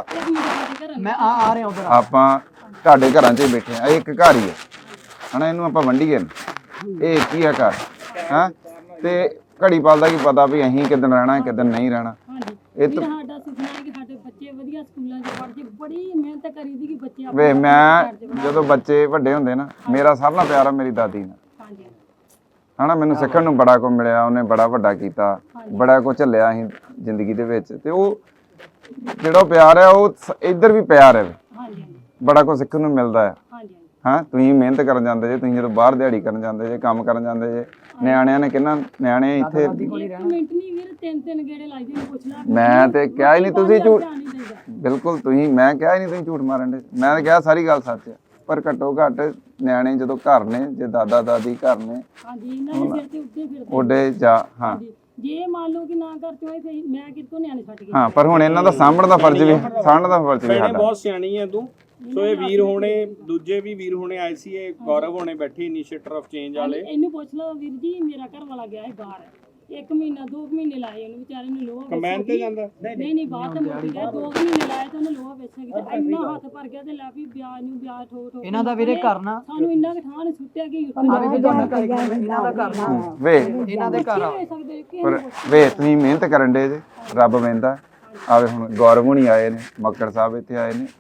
ਮੈਂ ਆ ਆ ਰਿਹਾ ਉਧਰ ਆਪਾਂ ਤੁਹਾਡੇ ਘਰਾਂ 'ਚ ਹੀ ਬੈਠੇ ਆ ਇਹ ਇੱਕ ਘਰ ਹੀ ਹੈ ਹਨਾ ਇਹਨੂੰ ਆਪਾਂ ਵੰਡੀਏ ਇਹ ਇੱਕ ਹੀ ਹੈ ਘਰ ਹਾਂ ਤੇ ਘੜੀ ਪਲ ਦਾ ਕੀ ਪਤਾ ਵੀ ਅਸੀਂ ਕਿੱਦਣ ਰਹਿਣਾ ਕਿੱਦਣ ਨਹੀਂ ਰਹਿਣਾ ਇਹ ਤਾਂ ਸਾਡਾ ਸੁਪਨਾ ਹੈ ਕਿ ਸਾਡੇ ਬੱਚੇ ਵਧੀਆ ਸਕੂਲਾਂ 'ਚ ਪੜ੍ਹ ਕੇ ਬੜੀ ਮਿਹਨਤ ਕਰੀਦੀ ਕਿ ਬੱਚੇ ਵੇ ਮੈਂ ਜਦੋਂ ਬੱਚੇ ਵੱਡੇ ਹੁੰਦੇ ਨਾ ਮੇਰਾ ਸਾਰਿਆਂ ਨਾਲੋਂ ਪਿਆਰ ਆ ਮੇਰੀ ਦਾਦੀ ਨਾਲ ਹਾਂਜੀ ਹਨਾ ਮੈਨੂੰ ਸਿੱਖਣ ਨੂੰ ਬੜਾ ਕੁਝ ਮਿਲਿਆ ਉਹਨੇ ਬੜਾ ਵੱਡਾ ਕੀਤਾ ਬੜਾ ਕੁਝ ਝੱਲਿਆ ਅਸੀਂ ਜ਼ਿੰਦਗੀ ਦੇ ਵਿੱਚ ਤੇ ਉਹ ਜਿਹੜਾ ਪਿਆਰ ਹੈ ਉਹ ਸ- ਇੱਧਰ ਵੀ ਪਿਆਰ ਹੈ ਹਾਂਜੀ ਬੜਾ ਕੁਝ ਸਿੱਖਣ ਨੂੰ ਮਿਲਦਾ ਹੈ ਹਾਂਜੀ ਹਾਂ ਤੁਸੀਂ ਮਿਹਨਤ ਕਰਨ ਜਾਂਦੇ ਜੇ ਤੁਸੀਂ ਜਦੋਂ ਬਾਹਰ ਦਿਹਾੜੀ ਕਰਨ ਜਾਂਦੇ ਜੇ ਕੰਮ ਕਰਨ ਜਾਂਦੇ ਜੇ ਨਿਆਣਿਆਂ ਨੇ ਕਿੰਨਾ ਨਿਆਣੇ ਇੱਥੇ ਇੱਕ ਮਿੰਟ ਨਹੀਂ ਵੀਰ ਤਿੰਨ ਤਿੰਨ ਗੇੜੇ ਲਾਈ ਦੇ ਪੁੱਛ ਲੈ ਮੈਂ ਤੇ ਕਿਹਾ ਹੀ ਨਹੀਂ ਤੁਸੀਂ ਝੂਠ ਧਿਆਨ ਨਹੀਂ ਦਿੰਦਾ ਬਿਲਕੁਲ ਤੁਸੀਂ ਮੈਂ ਕਿਹਾ ਹੀ ਨਹੀਂ ਤੁਸੀਂ ਝੂਠ ਮਾਰਨ ਦੇ ਮੈਂ ਤਾਂ ਕਿਹਾ ਸਾਰੀ ਗੱਲ ਸੱਚ ਹੈ ਪਰ ਘੱਟੋ ਘੱਟ ਨਿਆਣੇ ਜਦੋਂ ਘਰ ਨੇ ਜੇ ਦਾਦਾ ਦਾਦੀ ਘਰ ਨੇ ਹਾਂਜੀ ਇਹਨਾਂ ਦੇ ਸਿਰ ਤੇ ਉੱਤੇ ਫਿਰਦੇ ਉਹਦੇ ਜਾ ਹਾਂ ਹਾਂਜੀ। ਜੇ ਮੰਨ ਲਓ ਕਿ ਨਾ ਘਰ ਚ ਹੋਏ ਫਿਰ ਮੈਂ ਕਿੱਥੋਂ ਨਿਆਣੇ ਛੱਡ ਗਈ ਹਾਂ ਪਰ ਹੁਣ ਇਹਨਾਂ ਦਾ ਸਾਂਭਣ ਦਾ ਫਰਜ਼ ਵੀ ਸਾਂਭਣ ਦਾ ਫਰਜ਼ ਵੀ ਭੈਣੇ ਸਾਡਾ ਬਹੁਤ ਸਿਆਣੀ ਹੈ ਤੂੰ ਸੋ ਇਹ ਵੀਰ ਹੋਣੇ ਦੂਜੇ ਵੀ ਵੀਰ ਹੋਣੇ ਆਏ ਸੀ ਇਹ ਗੌਰਵ ਹੋਣੇ ਬੈਠੇ ਇਨੀਸ਼ੀਏਟਰ ਆਫ ਚੇਂਜ ਵਾਲੇ ਇਹਨੂੰ ਪੁੱਛ ਲਓ ਵੀਰ ਜੀ ਮੇਰਾ ਘਰ ਵਾਲਾ ਗਿਆ ਹੈ ਬਾਹਰ ਇੱਕ ਮਹੀਨਾ ਦੋ ਕੁ ਮਹੀਨੇ ਲਾਏ ਉਹਨੂੰ ਵਿਚਾਰੇ ਨੂੰ ਲੋਹਾ ਕਮੈਨ ਤੇ ਜਾਂਦਾ ਨਹੀਂ ਨਹੀਂ ਬਾਹਰ ਤਾਂ ਮੁੱਕ ਗਿਆ ਦੋ ਕੁ ਮਹੀਨੇ ਲਾਏ ਤਾਂ ਉਹਨੇ ਲੋਹਾ ਵੇਚਿਆ ਕਿਤੇ ਇੰਨਾ ਹੱਥ ਭਰ ਗਿਆ ਤੇ ਲੈ ਵੀ ਵਿਆਹ ਨੂੰ ਵਿਆਹ ਠੋ ਠੋ ਇਹਨਾਂ ਦਾ ਵੀਰੇ ਘਰ ਨਾ ਸਾਨੂੰ ਇੰਨਾ ਕੁ ਠਾਹ ਨੇ ਸੁੱਟਿਆ ਕਿ ਆ ਵੀ ਤੁਹਾਡਾ ਘਰ ਇਹਨਾਂ ਦਾ ਘਰ ਨਾ ਵੇ ਇਹਨਾਂ ਦੇ ਘਰ ਆ ਦੇ ਸਕਦੇ ਕਿ ਪਰ ਵੇ ਤੁਸੀਂ ਮਿਹਨਤ ਕਰਨ ਦੇ ਜੇ ਰੱਬ ਵੇਂਦਾ ਆਵੇ ਹੁਣ ਗੌਰਵ ਹੁਣੀ ਆਏ ਨੇ ਮੱਕੜ ਸਾਹਿਬ ਇੱਥੇ ਆਏ ਨੇ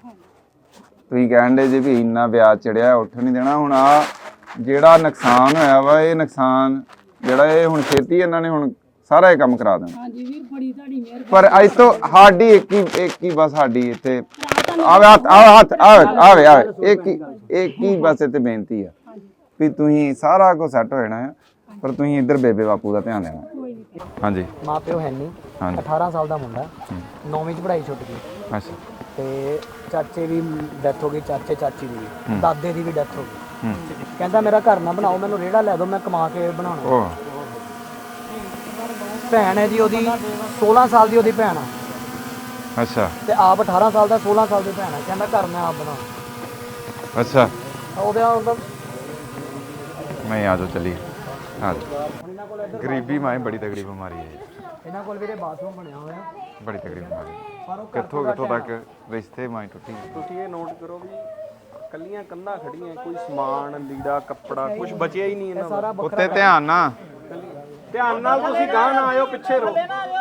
ਤੁਸੀਂ ਕਹਿਣ ਦੇ ਜੇ ਵੀ ਇੰਨਾ ਵਿਆਜ ਚੜਿਆ ਉੱਠ ਨਹੀਂ ਦੇਣਾ ਹੁਣ ਆ ਜਿਹੜਾ ਨੁਕਸਾਨ ਹੋਇਆ ਵਾ ਇਹ ਨੁਕਸਾਨ ਜਿਹੜਾ ਇਹ ਹੁਣ ਛੇਤੀ ਇਹਨਾਂ ਨੇ ਹੁਣ ਸਾਰਾ ਇਹ ਕੰਮ ਕਰਾ ਦੇਣਾ ਹਾਂਜੀ ਵੀਰ ਬੜੀ ਤੁਹਾਡੀ ਮਿਹਰਬਾਨੀ ਪਰ ਅੱਜ ਤੋਂ ਸਾਡੀ ਇੱਕ ਹੀ ਇੱਕ ਹੀ ਬਸ ਸਾਡੀ ਇੱਥੇ ਆਵੇ ਹੱਥ ਆਵੇ ਹੱਥ ਆਵੇ ਆਵੇ ਆਵੇ ਇੱਕ ਹੀ ਇੱਕ ਹੀ ਬਸ ਇੱਥੇ ਬੇਨਤੀ ਆ ਵੀ ਤੁਸੀਂ ਸਾਰਾ ਕੁਝ ਸੈੱਟ ਹੋ ਜਾਣਾ ਹੈ ਪਰ ਤੁਸੀਂ ਇੱਧਰ ਬੇਬੇ ਬਾਪੂ ਦਾ ਧਿਆਨ ਦੇਣਾ ਕੋਈ ਨਹੀਂ ਹਾਂਜੀ ਮਾਂ ਪਿਓ ਹੈ ਨਹੀਂ ਹਾਂਜੀ ਅਠਾਰਾਂ ਸਾਲ ਦਾ ਮੁੰਡਾ ਨੌਵੀਂ ਚ ਪੜ੍ਹਾਈ ਛੁੱਟ ਗਈ ਅੱਛਾ ਤੇ ਚਾਚੇ ਦੀ ਡੈਥ ਹੋ ਗਈ ਚਾਚੇ ਚਾਚੀ ਦੀ ਵੀ ਦਾਦੇ ਦੀ ਵੀ ਡੈਥ ਹੋ ਗਈ ਹੂੰ ਕਹਿੰਦਾ ਮੇਰਾ ਘਰ ਨਾ ਬਣਾਓ ਮੈਨੂੰ ਰੇੜਾ ਲੈ ਦਿਓ ਮੈਂ ਕਮਾ ਕੇ ਬਣਾਉਣਾ ਉਹ ਭੈਣ ਹੈ ਜੀ ਉਹਦੀ ਸੋਲਾਂ ਸਾਲ ਦੀ ਉਹਦੀ ਭੈਣ ਆ ਅੱਛਾ ਤੇ ਆਪ ਅਠਾਰਾਂ ਸਾਲ ਦਾ ਸੋਲਾਂ ਸਾਲ ਦੀ ਭੈਣ ਆ ਕਹਿੰਦਾ ਘਰ ਮੈਂ ਆਪ ਬਣਾਉਣਾ ਅੱਛਾ ਉਹਦੇ ਉਹਦਾ ਮੈਂ ਆ ਜਾਓ ਚਲੀਏ ਆ ਜਾਓ ਗਰੀਬੀ ਮਾਂ ਬੜੀ ਤਗੜੀ ਬਿਮਾਰੀ ਹੈ ਇਹਨਾਂ ਕੋਲ ਵੀਰੇ ਬਾਥਰੂਮ ਬਣਿਆ ਹੋਇਆ ਬੜੀ ਤਗੜੀ ਬਿਮਾਰੀ ਪਰ ਉਹ ਕਿੱਥੋਂ ਕਿੱਥੋਂ ਤੱਕ ਰਿਸ਼ਤੇ ਮਾਂ ਟੁੱਟੀ ਤੁਸੀਂ ਇਹ ਨੋਟ ਕਰੋ ਵੀ ਕੱਲੀਆਂ ਕੰਧਾਂ ਖੜੀਆਂ ਕੋਈ ਸਮਾਨ ਲੀੜਾ ਕੱਪੜਾ ਕੁਝ ਬਚਿਆ ਹੀ ਨਹੀਂ ਇਹਨਾਂ ਦਾ ਉੱਤੇ ਧਿਆਨ ਨਾ ਧਿਆਨ ਨਾਲ ਤੁਸੀਂ ਗਾਹ ਨਾ ਆਇਓ ਪਿੱਛੇ ਰਹੋ